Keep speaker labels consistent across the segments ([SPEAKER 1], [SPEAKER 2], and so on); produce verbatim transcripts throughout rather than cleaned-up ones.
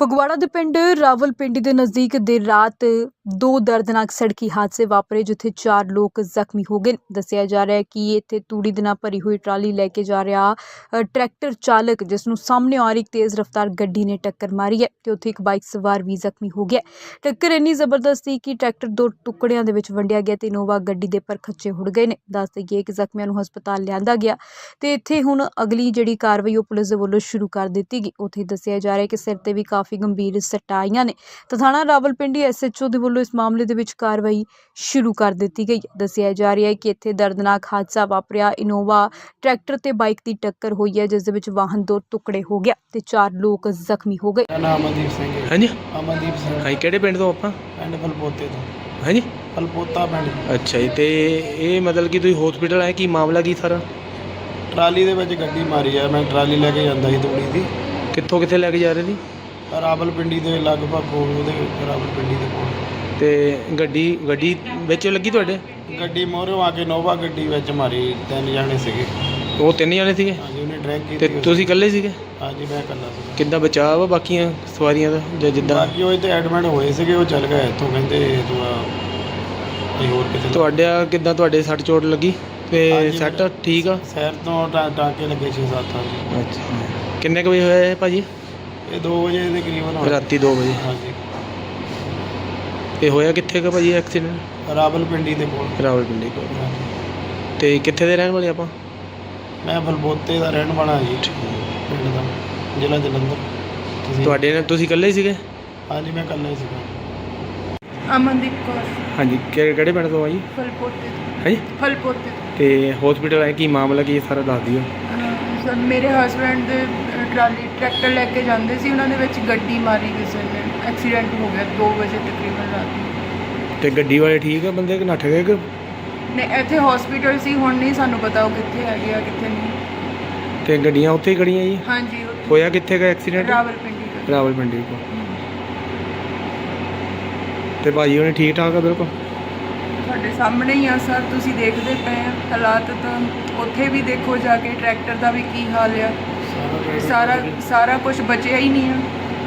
[SPEAKER 1] ਫਗਵਾੜਾ ਦੇ ਪਿੰਡ ਰਾਵਲਪਿੰਡੀ ਦੇ ਨਜ਼ਦੀਕ ਦੇਰ ਰਾਤ ਦੋ ਦਰਦਨਾਕ ਸੜਕੀ ਹਾਦਸੇ ਵਾਪਰੇ ਜਿੱਥੇ ਚਾਰ ਲੋਕ ਜ਼ਖਮੀ ਹੋ ਗਏ। ਦੱਸਿਆ ਜਾ ਰਿਹਾ ਹੈ ਕਿ ਇੱਥੇ ਤੂੜੀ ਦੇ ਨਾਲ ਭਰੀ ਹੋਈ ਟਰਾਲੀ ਲੈ ਕੇ ਜਾ ਰਿਹਾ ਅ, ਟਰੈਕਟਰ ਚਾਲਕ ਜਿਸ ਨੂੰ ਸਾਹਮਣੇ ਆ ਰਹੀ ਇੱਕ ਤੇਜ਼ ਰਫ਼ਤਾਰ ਗੱਡੀ ਨੇ ਟੱਕਰ ਮਾਰੀ ਹੈ ਤੇ ਉੱਥੇ ਇੱਕ ਬਾਈਕ ਸਵਾਰ ਵੀ ਜ਼ਖਮੀ ਹੋ ਗਿਆ। ਟੱਕਰ ਇੰਨੀ ਜ਼ਬਰਦਸਤ ਸੀ ਕਿ ਟਰੈਕਟਰ ਦੋ ਟੁਕੜਿਆਂ ਦੇ ਵਿੱਚ ਵੰਡਿਆ ਗਿਆ ਤੇ ਇਨੋਵਾ ਗੱਡੀ ਦੇ ਪਰ ਖੱਚੇ ਹੁੜ ਗਏ ਨੇ। ਦੱਸ ਦੇਈਏ ਕਿ ਜ਼ਖਮੀਆਂ ਨੂੰ ਹਸਪਤਾਲ ਲਿਆਂਦਾ ਗਿਆ ਤੇ ਇੱਥੇ ਹੁਣ ਅਗਲੀ ਜਿਹੜੀ ਕਾਰਵਾਈ ਉਹ ਪੁਲਿਸ ਦੇ ਵੱਲੋਂ ਸ਼ੁਰੂ ਕਰ ਦਿੱਤੀ ਗਈ। ਉੱਥੇ ਦੱਸਿਆ ਜਾ ਰਿਹਾ ਹੈ ਕਿ ਸਿਰ ਤੇ ਵੀ ਕਾਫੀ ਗੰਭੀਰ ਸੱਟਾਂ ਆਈਆਂ ਨੇ ਤਾਂ ਥਾਣਾ ਰਾਵਲਪਿੰਡੀ ਐਸ ਐਚ ਓ ਦੇ ਵੱਲੋਂ ਇਸ ਮਾਮਲੇ ਦੇ ਵਿੱਚ ਕਾਰਵਾਈ ਸ਼ੁਰੂ ਕਰ ਦਿੱਤੀ ਗਈ। ਦੱਸਿਆ ਜਾ ਰਿਹਾ ਹੈ ਕਿ ਇੱਥੇ ਦਰਦਨਾਕ ਹਾਦਸਾ ਵਾਪਰਿਆ। ਇਨੋਵਾ ਟਰੈਕਟਰ ਤੇ ਬਾਈਕ ਦੀ ਟੱਕਰ ਹੋਈ ਹੈ ਜਿਸ ਦੇ ਵਿੱਚ ਵਾਹਨ ਦੋ ਟੁਕੜੇ ਹੋ ਗਿਆ ਤੇ ਚਾਰ ਲੋਕ ਜ਼ਖਮੀ ਹੋ ਗਏ।
[SPEAKER 2] ਮੇਰਾ ਨਾਮ ਅਮਨਦੀਪ ਸਿੰਘ ਹੈ।
[SPEAKER 3] ਹਾਂਜੀ
[SPEAKER 2] ਅਮਨਦੀਪ ਸਿੰਘ
[SPEAKER 3] ਹਾਂ ਕਿਹੜੇ ਪਿੰਡ ਤੋਂ ਆਪਾਂ
[SPEAKER 2] ਪਿੰਡ ਫਲਪੋਤੇ ਤੋਂ।
[SPEAKER 3] ਹਾਂਜੀ
[SPEAKER 2] ਫਲਪੋਤਾ ਪਿੰਡ।
[SPEAKER 3] ਅੱਛਾ ਜੀ। ਤੇ ਇਹ ਮਤਲਬ ਕਿ ਤੁਸੀਂ ਹਸਪੀਟਲ ਆਏ, ਕੀ ਮਾਮਲਾ ਕੀ ਸਾਰਾ?
[SPEAKER 2] ਟਰਾਲੀ ਦੇ ਵਿੱਚ ਗੱਡੀ ਮਾਰੀ ਆ। ਮੈਂ ਟਰਾਲੀ ਲੈ ਕੇ ਜਾਂਦਾ ਸੀ ਤੂੜੀ ਦੀ।
[SPEAKER 3] ਕਿੱਥੋਂ ਕਿੱਥੇ ਲੈ ਕੇ ਜਾ ਰਹੇ ਸੀ?
[SPEAKER 2] ਰਾਵਲਪਿੰਡੀ ਦੇ ਲਗਭਗ ਕੋਲ, ਉਹਦੇ ਰਾਵਲਪਿੰਡੀ ਦੇ ਕੋਲ।
[SPEAKER 3] ਤੇ ਗੱਡੀ ਗੱਡੀ ਵਿੱਚ ਲੱਗੀ ਤੁਹਾਡੇ?
[SPEAKER 2] ਗੱਡੀ ਮੋਹਰੋਂ ਆ ਕੇ ਨੋਵਾ ਗੱਡੀ ਵਿੱਚ ਮਾਰੀ। ਤਿੰਨ ਜਾਣੇ ਸੀਗੇ।
[SPEAKER 3] ਉਹ ਤਿੰਨ ਜਣੇ ਸੀਗੇ
[SPEAKER 2] ਹਾਂਜੀ, ਉਹਨੇ ਡਰੈਗ
[SPEAKER 3] ਤੇ
[SPEAKER 2] ਕੀਤੀ।
[SPEAKER 3] ਤੁਸੀਂ ਇਕੱਲੇ ਸੀਗੇ?
[SPEAKER 2] ਹਾਂਜੀ, ਮੈਂ ਇਕੱਲਾ ਸੀ।
[SPEAKER 3] ਕਿੱਦਾਂ ਬਚਾਅ ਵਾ ਬਾਕੀਆਂ ਸਵਾਰੀਆਂ ਦਾ ਜਾਂ ਜਿੱਦਾਂ?
[SPEAKER 2] ਬਾਕੀ ਉਹ ਇੱਥੇ ਐਡਮਿਟ ਹੋਏ ਸੀਗੇ, ਉਹ ਚੱਲ ਗਏ ਇੱਥੋਂ, ਕਹਿੰਦੇ ਤੂੰ ਆ ਕੋਈ ਹੋਰ ਕਿਤੇ।
[SPEAKER 3] ਤੁਹਾਡਾ ਕਿੱਦਾਂ, ਤੁਹਾਡੇ ਸੱਟ ਚੋਟ ਲੱਗੀ ਤੇ
[SPEAKER 2] ਹਾਂਜੀ,
[SPEAKER 3] ਸੱਟ ਠੀਕ ਆ?
[SPEAKER 2] ਸ਼ਹਿਰ ਤੋਂ ਟਾ- ਟਾਂਕੇ ਲੱਗੇ ਛੇ ਸੱਤ। ਹਾਂਜੀ।
[SPEAKER 3] ਅੱਛਾ। ਕਿੰਨੇ ਕੁ ਵਜੇ ਹੋਇਆ ਇਹ ਭਾਜੀ?
[SPEAKER 2] ਇਹ ਦੋ ਵਜੇ ਦੇ ਕਰੀਬਨ ਹੋਇਆ।
[SPEAKER 3] ਰਾਤੀ ਦੋ ਵਜੇ।
[SPEAKER 2] ਹਾਂਜੀ।
[SPEAKER 3] ਇਹ ਹੋਇਆ ਕਿੱਥੇ ਕੁ ਭਾਜੀ ਐਕਸੀਡੈਂਟ?
[SPEAKER 2] ਰਾਵਲਪਿੰਡੀ ਦੇ ਕੋਲ।
[SPEAKER 3] ਰਾਵਲਪਿੰਡੀ ਕੋਲ।
[SPEAKER 2] ਹਾਂਜੀ।
[SPEAKER 3] ਤੇ ਕਿੱਥੇ ਦੇ ਰਹਿਣ ਵਾਲੇ ਆਪਾਂ?
[SPEAKER 2] ਮੈਂ ਫਲਪੋਤੇ ਦਾ ਰਹਿਣ ਵਾਲਾ ਜੀ, ਪਿੰਡ ਦਾ, ਜ਼ਿਲ੍ਹਾ ਜਲੰਧਰ। ਤੁਸੀਂ?
[SPEAKER 3] ਤੁਹਾਡੇ ਨਾਲ ਤੁਸੀਂ ਇਕੱਲੇ ਹੀ ਸੀਗੇ?
[SPEAKER 2] ਹਾਂਜੀ, ਮੈਂ ਇਕੱਲਾ ਹੀ ਸੀਗਾ।
[SPEAKER 4] ਅਮਨਦੀਪ ਕੌਰ
[SPEAKER 3] ਹਾਂਜੀ। ਕਿ- ਕਿਹੜੇ ਪਿੰਡ ਤੋਂ ਆ ਜੀ?
[SPEAKER 4] ਫਲਪੋਤੇ ਤੋਂ।
[SPEAKER 3] ਹਾਂਜੀ।
[SPEAKER 4] ਫਲਪੋਤੇ ਤੋਂ।
[SPEAKER 3] ਤੇ ਹਸਪੀਟਲ ਆਏ, ਕੀ ਮਾਮਲਾ ਕੀ ਸਾਰਾ ਦੱਸ ਦਿਓ।
[SPEAKER 4] ਅਹ ਸਰ, ਮੇਰੇ ਹਸਬੈਂਡ ਦੇ ਅਹ, ਟਰਾਲੀ ਟਰੈਕਟਰ ਲੈ ਕੇ ਜਾਂਦੇ ਸੀ, ਉਹਨਾਂ ਦੇ ਵਿੱਚ ਗੱਡੀ ਮਾਰੀ ਕਿਸੇ ਨੇ। ਐਕਸੀਡੈਂਟ ਹੋ ਗਿਆ ਦੋ ਵਜੇ ਤਕਰੀਬਨ ਰਾਤ ਨੂੰ।
[SPEAKER 3] ਤੇ ਗੱਡੀ ਵਾਲੇ ਠੀਕ ਆ ਬੰਦੇ ਕਿ ਨੱਠ ਗਏ ਕਿ?
[SPEAKER 4] ਨੇ ਇੱਥੇ ਹਸਪੀਟਲ ਸੀ, ਹੁਣ ਨਹੀਂ ਸਾਨੂੰ ਪਤਾ ਉਹ ਕਿੱਥੇ ਹੈਗੇ ਆ ਕਿੱਥੇ ਨਹੀਂ।
[SPEAKER 3] ਤੇ ਗੱਡੀਆਂ ਉੱਥੇ ਹੀ ਖੜੀਆਂ ਜੀ?
[SPEAKER 4] ਹਾਂਜੀ, ਉੱਥੇ
[SPEAKER 3] ਹੋਇਆ ਕਿੱਥੇ ਗਾ ਐਕਸੀਡੈਂਟ?
[SPEAKER 4] ਰਾਵਲਪਿੰਡੀ ਦਾ।
[SPEAKER 3] ਰਾਵਲਪਿੰਡੀ ਕੋਲ। ਤੇ ਭਾਜੀ ਉਹਨੇ ਠੀਕ ਠਾਕ ਆ ਬਿਲਕੁਲ?
[SPEAKER 4] ਤੁਹਾਡੇ ਸਾਹਮਣੇ ਹੀ ਆ ਸਰ, ਤੁਸੀਂ ਦੇਖਦੇ ਪਏ ਆ ਹਾਲਾਤ। ਤਾਂ ਉੱਥੇ ਵੀ ਦੇਖੋ ਜਾ ਕੇ ਟਰੈਕਟਰ ਦਾ ਵੀ ਕੀ ਹਾਲ ਆ। ਸਾਰਾ ਸਾਰਾ ਕੁਝ ਬਚਿਆ ਹੀ ਨਹੀਂ ਆ।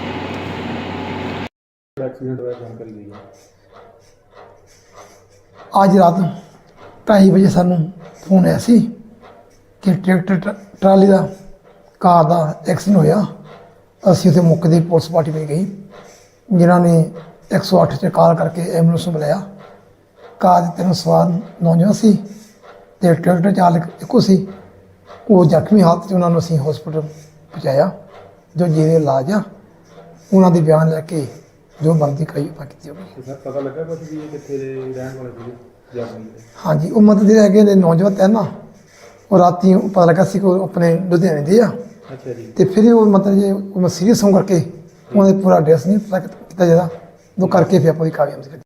[SPEAKER 5] ਅੱਜ ਰਾਤ ਢਾਈ ਵਜੇ ਸਾਨੂੰ ਫੋਨ ਆਇਆ ਸੀ ਕਿ ਟਰੈਕਟਰ ਟ- ਟਰਾਲੀ ਦਾ ਕਾਰ ਦਾ ਐਕਸੀਡੈਂਟ ਹੋਇਆ। ਅਸੀਂ ਉੱਥੇ ਮੌਕੇ 'ਤੇ ਪੁਲਿਸ ਪਾਰਟੀ ਵਿੱਚ ਗਈ, ਜਿਨ੍ਹਾਂ ਨੇ ਇੱਕ ਸੌ ਅੱਠ 'ਤੇ ਕਾਲ ਕਰਕੇ ਐਂਬੂਲੈਂਸ ਨੂੰ ਬੁਲਾਇਆ। ਕਾਰ ਦੇ ਤਿੰਨ ਸਵਾਰ ਨੌਜਵਾਨ ਸੀ ਅਤੇ ਟਰੈਕਟਰ ਚਾਲਕ ਇੱਕੋ ਸੀ। ਉਹ ਜ਼ਖਮੀ ਹਾਲਤ 'ਚ ਉਹਨਾਂ ਨੂੰ ਅਸੀਂ ਹਸਪੀਟਲ ਪਹੁੰਚਾਇਆ, ਜੋ ਜਿਹਦੇ ਇਲਾਜ ਆ। ਉਹਨਾਂ ਦੇ ਬਿਆਨ ਲੈ ਕੇ ਜੋ ਬਣਦੀ ਕਾਰਵਾਈ ਕੀਤੀ ਜਾਊਗੀ।
[SPEAKER 6] ਸਰ ਪਤਾ ਲੱਗਾ ਕੁਝ ਵੀ ਇਹ ਕਿੱਥੇ ਦੇ ਰਹਿਣ ਵਾਲੇ ਸੀਗੇ ਜਾਪਾਨ ਦੇ?
[SPEAKER 5] ਹਾਂਜੀ, ਉਹ ਮਤਲਬ ਜਿਹੜੇ ਹੈਗੇ ਨੇ ਨੌਜਵਾਨ ਤੈਨ ਨਾ, ਉਹ ਰਾਤੀ ਉਹ ਪਤਾ ਲੱਗਾ ਸੀ ਕਿ ਉਹ ਆਪਣੇ ਲੁਧਿਆਣੇ ਦੇ ਆ।
[SPEAKER 6] ਅੱਛਾ ਜੀ।
[SPEAKER 5] ਤੇ ਫਿਰ ਉਹ ਮਤਲਬ ਜੇ ਉਹ ਸੀਰੀਅਸ ਹੋਣ ਕਰਕੇ ਉਹਨਾਂ ਦੇ ਪੂਰਾ ਐਡਰੈਸ ਨਹੀਂ ਪਤਾ ਕੀਤਾ ਜਾਂਦਾ, ਉਹ ਕਰਕੇ ਫਿਰ ਆਪਾਂ ਦੀ ਕਾਰਵਾਈ ਕੀਤੀ।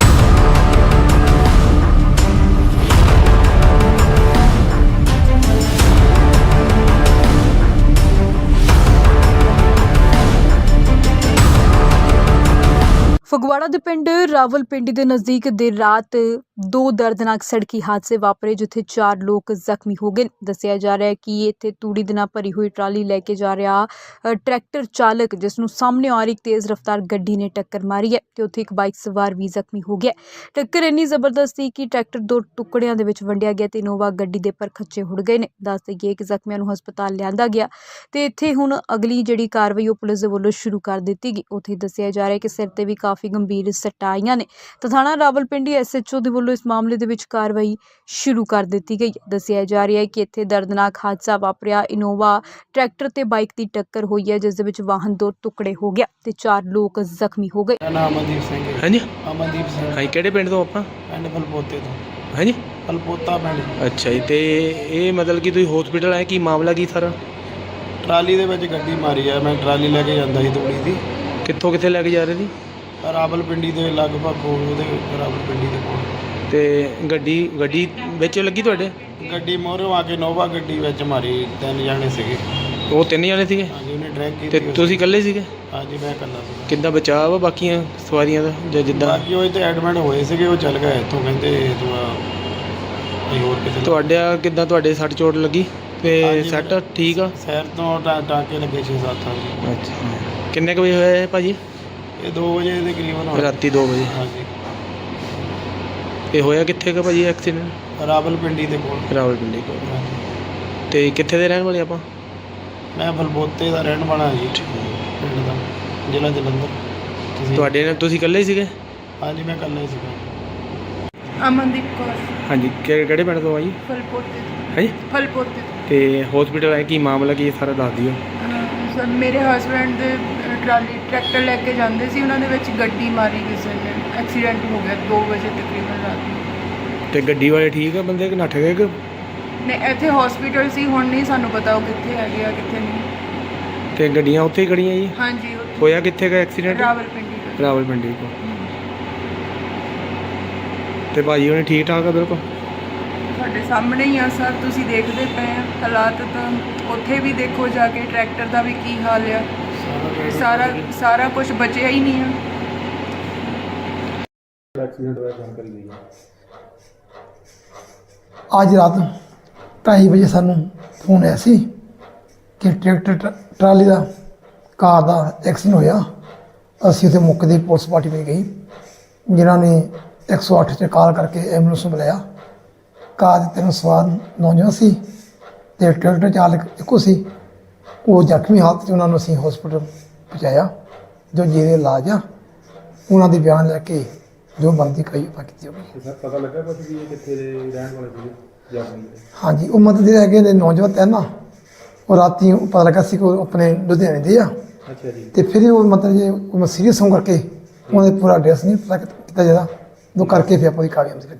[SPEAKER 1] ਫਗਵਾੜਾ ਦੇ ਪਿੰਡ ਰਾਵਲਪਿੰਡੀ ਦੇ ਨਜ਼ਦੀਕ ਦੇਰ ਰਾਤ ਦੋ ਦਰਦਨਾਕ ਸੜਕੀ ਹਾਦਸੇ ਵਾਪਰੇ ਜਿੱਥੇ ਚਾਰ ਲੋਕ ਜ਼ਖਮੀ ਹੋ ਗਏ। ਦੱਸਿਆ ਜਾ ਰਿਹਾ ਹੈ ਕਿ ਇੱਥੇ ਤੂੜੀ ਦੇ ਨਾਲ ਭਰੀ ਹੋਈ ਟਰਾਲੀ ਲੈ ਕੇ ਜਾ ਰਿਹਾ ਅ, ਟਰੈਕਟਰ ਚਾਲਕ ਜਿਸ ਨੂੰ ਸਾਹਮਣੇ ਆ ਰਹੀ ਇੱਕ ਤੇਜ਼ ਰਫ਼ਤਾਰ ਗੱਡੀ ਨੇ ਟੱਕਰ ਮਾਰੀ ਹੈ ਤੇ ਉੱਥੇ ਇੱਕ ਬਾਈਕ ਸਵਾਰ ਵੀ ਜ਼ਖਮੀ ਹੋ ਗਿਆ। ਟੱਕਰ ਇੰਨੀ ਜ਼ਬਰਦਸਤ ਸੀ ਕਿ ਟਰੈਕਟਰ ਦੋ ਟੁਕੜਿਆਂ ਦੇ ਵਿੱਚ ਵੰਡਿਆ ਗਿਆ ਤੇ ਇਨੋਵਾ ਗੱਡੀ ਦੇ ਪਰ ਖੱਚੇ ਹੁੜ ਗਏ ਨੇ। ਦੱਸ ਦੇਈਏ ਕਿ ਜ਼ਖਮੀਆਂ ਨੂੰ ਹਸਪਤਾਲ ਲਿਆਂਦਾ ਗਿਆ ਤੇ ਇੱਥੇ ਹੁਣ ਅਗਲੀ ਜਿਹੜੀ ਕਾਰਵਾਈ ਉਹ ਪੁਲਿਸ ਦੇ ਵੱਲੋਂ ਸ਼ੁਰੂ ਕਰ ਦਿੱਤੀ ਗਈ। ਉੱਥੇ ਦੱਸਿਆ ਜਾ ਰਿਹਾ ਹੈ ਕਿ ਸਿਰ ਤੇ ਵੀ ਕਾਫੀ ਗੰਭੀਰ ਸੱਟਾਂ ਆਈਆਂ ਨੇ ਤਾਂ ਥਾਣਾ ਰਾਵਲਪਿੰਡੀ ਐਸ ਐਚ ਓ ਦੇ ਵੱਲੋਂ ਇਸ ਮਾਮਲੇ ਦੇ ਵਿੱਚ ਕਾਰਵਾਈ ਸ਼ੁਰੂ ਕਰ ਦਿੱਤੀ ਗਈ। ਦੱਸਿਆ ਜਾ ਰਿਹਾ ਹੈ ਕਿ ਇੱਥੇ ਦਰਦਨਾਕ ਹਾਦਸਾ ਵਾਪਰਿਆ। ਇਨੋਵਾ ਟਰੈਕਟਰ ਤੇ ਬਾਈਕ ਦੀ ਟੱਕਰ ਹੋਈ ਹੈ ਜਿਸ ਦੇ ਵਿੱਚ ਵਾਹਨ ਦੋ ਟੁਕੜੇ ਹੋ ਗਿਆ ਤੇ ਚਾਰ ਲੋਕ ਜ਼ਖਮੀ ਹੋ ਗਏ।
[SPEAKER 2] ਮੇਰਾ ਨਾਮ ਅਮਨਦੀਪ ਸਿੰਘ ਹੈ।
[SPEAKER 3] ਹਾਂਜੀ
[SPEAKER 2] ਅਮਨਦੀਪ ਸਿੰਘ
[SPEAKER 3] ਹਾਂ ਕਿਹੜੇ ਪਿੰਡ ਤੋਂ ਆਪਾਂ?
[SPEAKER 2] ਪਿੰਡ ਫਲਪੋਤੇ ਤੋਂ।
[SPEAKER 3] ਹਾਂਜੀ।
[SPEAKER 2] ਫਲਪੋਤਾ ਪਿੰਡ।
[SPEAKER 3] ਅੱਛਾ ਜੀ। ਤੇ ਇਹ ਮਤਲਬ ਕਿ ਤੁਸੀਂ ਹਸਪੀਟਲ ਆਏ, ਕੀ ਮਾਮਲਾ ਕੀ ਸਾਰਾ?
[SPEAKER 2] ਟਰਾਲੀ ਦੇ ਵਿੱਚ ਗੱਡੀ ਮਾਰੀ ਆ। ਮੈਂ ਟਰਾਲੀ ਲੈ ਕੇ ਜਾਂਦਾ ਸੀ ਤੂੜੀ ਦੀ।
[SPEAKER 3] ਕਿੱਥੋਂ ਕਿੱਥੇ ਲੈ ਕੇ ਜਾ ਰਹੇ ਸੀ?
[SPEAKER 2] ਰਾਵਲਪਿੰਡੀ ਦੇ ਲਗਭਗ ਕੋਲ, ਉਹਦੇ ਰਾਵਲਪਿੰਡੀ ਦੇ ਕੋਲ।
[SPEAKER 3] ਤੇ ਗੱਡੀ ਗੱਡੀ ਵਿੱਚ ਲੱਗੀ ਤੁਹਾਡੇ?
[SPEAKER 2] ਗੱਡੀ ਮੋਹਰੋਂ ਆ ਕੇ ਨੋਵਾ ਗੱਡੀ ਵਿੱਚ ਮਾਰੀ। ਤਿੰਨ ਜਾਣੇ ਸੀਗੇ।
[SPEAKER 3] ਉਹ ਤਿੰਨ ਜਣੇ ਸੀਗੇ
[SPEAKER 2] ਹਾਂਜੀ, ਉਹਨੇ ਡਰੈਗ
[SPEAKER 3] ਤੇ
[SPEAKER 2] ਕੀਤੀ।
[SPEAKER 3] ਤੁਸੀਂ ਇਕੱਲੇ ਸੀਗੇ?
[SPEAKER 2] ਹਾਂਜੀ, ਮੈਂ ਇਕੱਲਾ ਸੀ।
[SPEAKER 3] ਕਿੱਦਾਂ ਬਚਾਅ ਵਾ ਬਾਕੀਆਂ ਸਵਾਰੀਆਂ ਦਾ ਜਾਂ ਜਿੱਦਾਂ?
[SPEAKER 2] ਬਾਕੀ ਉਹ ਇੱਥੇ ਐਡਮਿਟ ਹੋਏ ਸੀਗੇ, ਉਹ ਚੱਲ ਗਏ ਇੱਥੋਂ, ਕਹਿੰਦੇ ਤੂੰ ਆ ਕੋਈ ਹੋਰ ਕਿਤੇ।
[SPEAKER 3] ਤੁਹਾਡਾ ਕਿੱਦਾਂ, ਤੁਹਾਡੇ ਸੱਟ ਚੋਟ ਲੱਗੀ ਤੇ
[SPEAKER 2] ਹਾਂਜੀ,
[SPEAKER 3] ਸੱਟ
[SPEAKER 2] ਮੇਰਾ-
[SPEAKER 3] ਠੀਕ ਆ?
[SPEAKER 2] ਸ਼ਹਿਰ ਤੋਂ ਟਾ- ਟਾਂਕੇ ਲੱਗੇ ਛੇ ਸੱਤ। ਹਾਂਜੀ।
[SPEAKER 3] ਅੱਛਾ। ਕਿੰਨੇ ਕੁ ਵਜੇ ਹੋਇਆ ਇਹ ਭਾਜੀ?
[SPEAKER 2] ਇਹ ਦੋ ਵਜੇ ਦੇ ਕਰੀਬਨ ਹੋਇਆ।
[SPEAKER 3] ਰਾਤੀ ਦੋ ਵਜੇ।
[SPEAKER 2] ਹਾਂਜੀ।
[SPEAKER 3] ਇਹ ਹੋਇਆ ਕਿੱਥੇ ਕਾ ਭਾਜੀ ਐਕਸੀਡੈਂਟ?
[SPEAKER 2] ਰਾਵਲਪਿੰਡੀ ਦੇ ਕੋਲ।
[SPEAKER 3] ਰਾਵਲਪਿੰਡੀ ਕੋਲ।
[SPEAKER 2] ਹਾਂਜੀ।
[SPEAKER 3] ਤੇ ਕਿੱਥੇ ਦੇ ਰਹਿਣ ਵਾਲੇ ਆਪਾਂ?
[SPEAKER 2] ਮੈਂ ਬਲਬੋਤੇ ਦਾ ਰਹਿਣ ਵਾਲਾ ਜੀ, ਪਿੰਡ ਦਾ, ਜ਼ਿਲ੍ਹਾ ਜਲੰਧਰ। ਤੁਸੀਂ?
[SPEAKER 3] ਤੁਹਾਡੇ ਨਾਲ ਤੁਸੀਂ ਇਕੱਲੇ ਹੀ ਸੀਗੇ?
[SPEAKER 2] ਹਾਂਜੀ, ਮੈਂ ਇਕੱਲਾ ਹੀ ਸੀਗਾ।
[SPEAKER 4] ਅਮਨਦੀਪ ਕੌਰ
[SPEAKER 3] ਹਾਂਜੀ। ਕਿ- ਕਿਹੜੇ ਪਿੰਡ ਤੋਂ ਆ ਜੀ?
[SPEAKER 4] ਫਲਪੋਤੇ ਤੋਂ।
[SPEAKER 3] ਹਾਂਜੀ।
[SPEAKER 4] ਫਲਪੋਤੇ ਤੋਂ।
[SPEAKER 3] ਤੇ ਹਸਪੀਟਲ ਆਏ, ਕੀ ਮਾਮਲਾ ਕੀ ਹੈ ਸਾਰਾ ਦੱਸ ਦਿਓ।
[SPEAKER 4] ਅਹ ਸਰ ਮੇਰੇ ਹਸਬੈਂਡ ਦੇ ਅਹ, ਟਰਾਲੀ ਟਰੈਕਟਰ ਲੈ ਕੇ ਜਾਂਦੇ ਸੀ, ਉਹਨਾਂ ਦੇ ਵਿੱਚ ਗੱਡੀ ਮਾਰੀ ਕਿਸੇ ਨੇ, ਐਕਸੀਡੈਂਟ ਹੋ ਗਿਆ ਦੋ ਵਜੇ ਤਕਰੀਬਨ ਰਾਤ ਨੂੰ।
[SPEAKER 3] ਤੇ ਗੱਡੀ ਵਾਲੇ ਠੀਕ ਆ ਬੰਦੇ ਕਿ ਨੱਠ ਗਏ ਕਿ?
[SPEAKER 4] ਨੇ ਇੱਥੇ ਹਸਪੀਟਲ ਸੀ, ਹੁਣ ਨਹੀਂ ਸਾਨੂੰ ਪਤਾ ਉਹ ਕਿੱਥੇ ਹੈਗੇ ਆ ਕਿੱਥੇ ਨਹੀਂ।
[SPEAKER 3] ਤੇ ਗੱਡੀਆਂ ਉੱਥੇ ਹੀ ਖੜੀਆਂ ਜੀ?
[SPEAKER 4] ਹਾਂਜੀ ਉੱਥੇ
[SPEAKER 3] ਹੋਇਆ ਕਿੱਥੇ ਦਾ ਐਕਸੀਡੈਂਟ?
[SPEAKER 4] ਰਾਵਲਪਿੰਡੀ ਦਾ।
[SPEAKER 3] ਰਾਵਲਪਿੰਡੀ ਕੋਲ। ਤੇ ਭਾਜੀ ਉਹਨੇ ਠੀਕ ਠਾਕ ਆ ਬਿਲਕੁਲ?
[SPEAKER 4] ਤੁਹਾਡੇ ਸਾਹਮਣੇ ਹੀ ਆ ਸਰ, ਤੁਸੀਂ ਦੇਖਦੇ ਪਏ ਆ ਹਾਲਾਤ ਤਾਂ। ਉੱਥੇ ਵੀ ਦੇਖੋ ਜਾ ਕੇ ਟਰੈਕਟਰ ਦਾ ਵੀ ਕੀ ਹਾਲ ਆ। ਸਾਰਾ ਸਾਰਾ ਕੁਝ ਬਚਿਆ ਹੀ ਨਹੀਂ ਆ।
[SPEAKER 6] ਐਕਸੀਡੈਂਟ ਹੋਇਆ ਜਾਣਕਾਰੀ ਲਈ ਹੈ।
[SPEAKER 5] ਅੱਜ ਰਾਤ ਢਾਈ ਵਜੇ ਸਾਨੂੰ ਫੋਨ ਆਇਆ ਸੀ ਕਿ ਟਰੈਕਟਰ ਟ- ਟਰਾਲੀ ਦਾ ਕਾਰ ਦਾ ਐਕਸੀਡੈਂਟ ਹੋਇਆ। ਅਸੀਂ ਉੱਥੇ ਮੌਕੇ ਦੀ ਪੁਲਿਸ ਪਾਰਟੀ ਵਿੱਚ ਗਈ, ਜਿਨ੍ਹਾਂ ਨੇ ਇੱਕ ਸੌ ਅੱਠ 'ਤੇ ਕਾਲ ਕਰਕੇ ਐਂਬੂਲੈਂਸ ਨੂੰ ਬੁਲਾਇਆ। ਕਾਰ ਦੇ ਤਿੰਨ ਸਵਾਰ ਨੌਜਵਾਨ ਸੀ ਅਤੇ ਟਰੈਕਟਰ ਚਾਲਕ ਇੱਕੋ ਸੀ। ਉਹ ਜ਼ਖਮੀ ਹਾਲਤ 'ਚ ਉਹਨਾਂ ਨੂੰ ਅਸੀਂ ਹਸਪੀਟਲ ਪਹੁੰਚਾਇਆ, ਜੋ ਜਿਹਦੇ ਇਲਾਜ ਆ। ਉਹਨਾਂ ਦੇ ਬਿਆਨ ਲੈ ਕੇ ਜੋ ਬਣਦੀ ਕਾਰਵਾਈ ਆਪਾਂ ਕੀਤੀ ਹੋਵੇ।
[SPEAKER 6] ਤੇ ਸਰ ਪਤਾ ਲੱਗਾ ਕੁਝ ਵੀ ਇਹ ਕਿੱਥੇ ਦੇ ਰਹਿਣ ਵਾਲੇ ਸੀਗੇ ਜਾਪਾਨੀ ਦੇ?
[SPEAKER 5] ਹਾਂਜੀ, ਉਹ ਮਤਲਬ ਜਿਹੜੇ ਹੈਗੇ ਨੇ ਨੌਜਵਾਨ ਤੈਨ ਨਾ, ਉਹ ਰਾਤੀ ਪਤਾ ਲੱਗਾ ਸੀ ਕਿ ਉਹ ਆਪਣੇ ਲੁਧਿਆਣੇ ਦੇ ਆ।
[SPEAKER 6] ਅੱਛਾ ਜੀ।
[SPEAKER 5] ਤੇ ਫਿਰ ਉਹ ਮਤਲਬ ਜੇ ਉਹ ਸੀਰੀਅਸ ਹੋਣ ਕਰਕੇ ਉਹਨਾਂ ਦੇ ਪੂਰਾ ਐਡਰੈਸ ਨਹੀਂ ਪਤਾ ਕੀਤਾ ਜਾਂਦਾ, ਉਹ ਕਰਕੇ ਫਿਰ ਆਪਾਂ ਦੀ ਕਾਰਵਾਈ ਕੀਤੀ।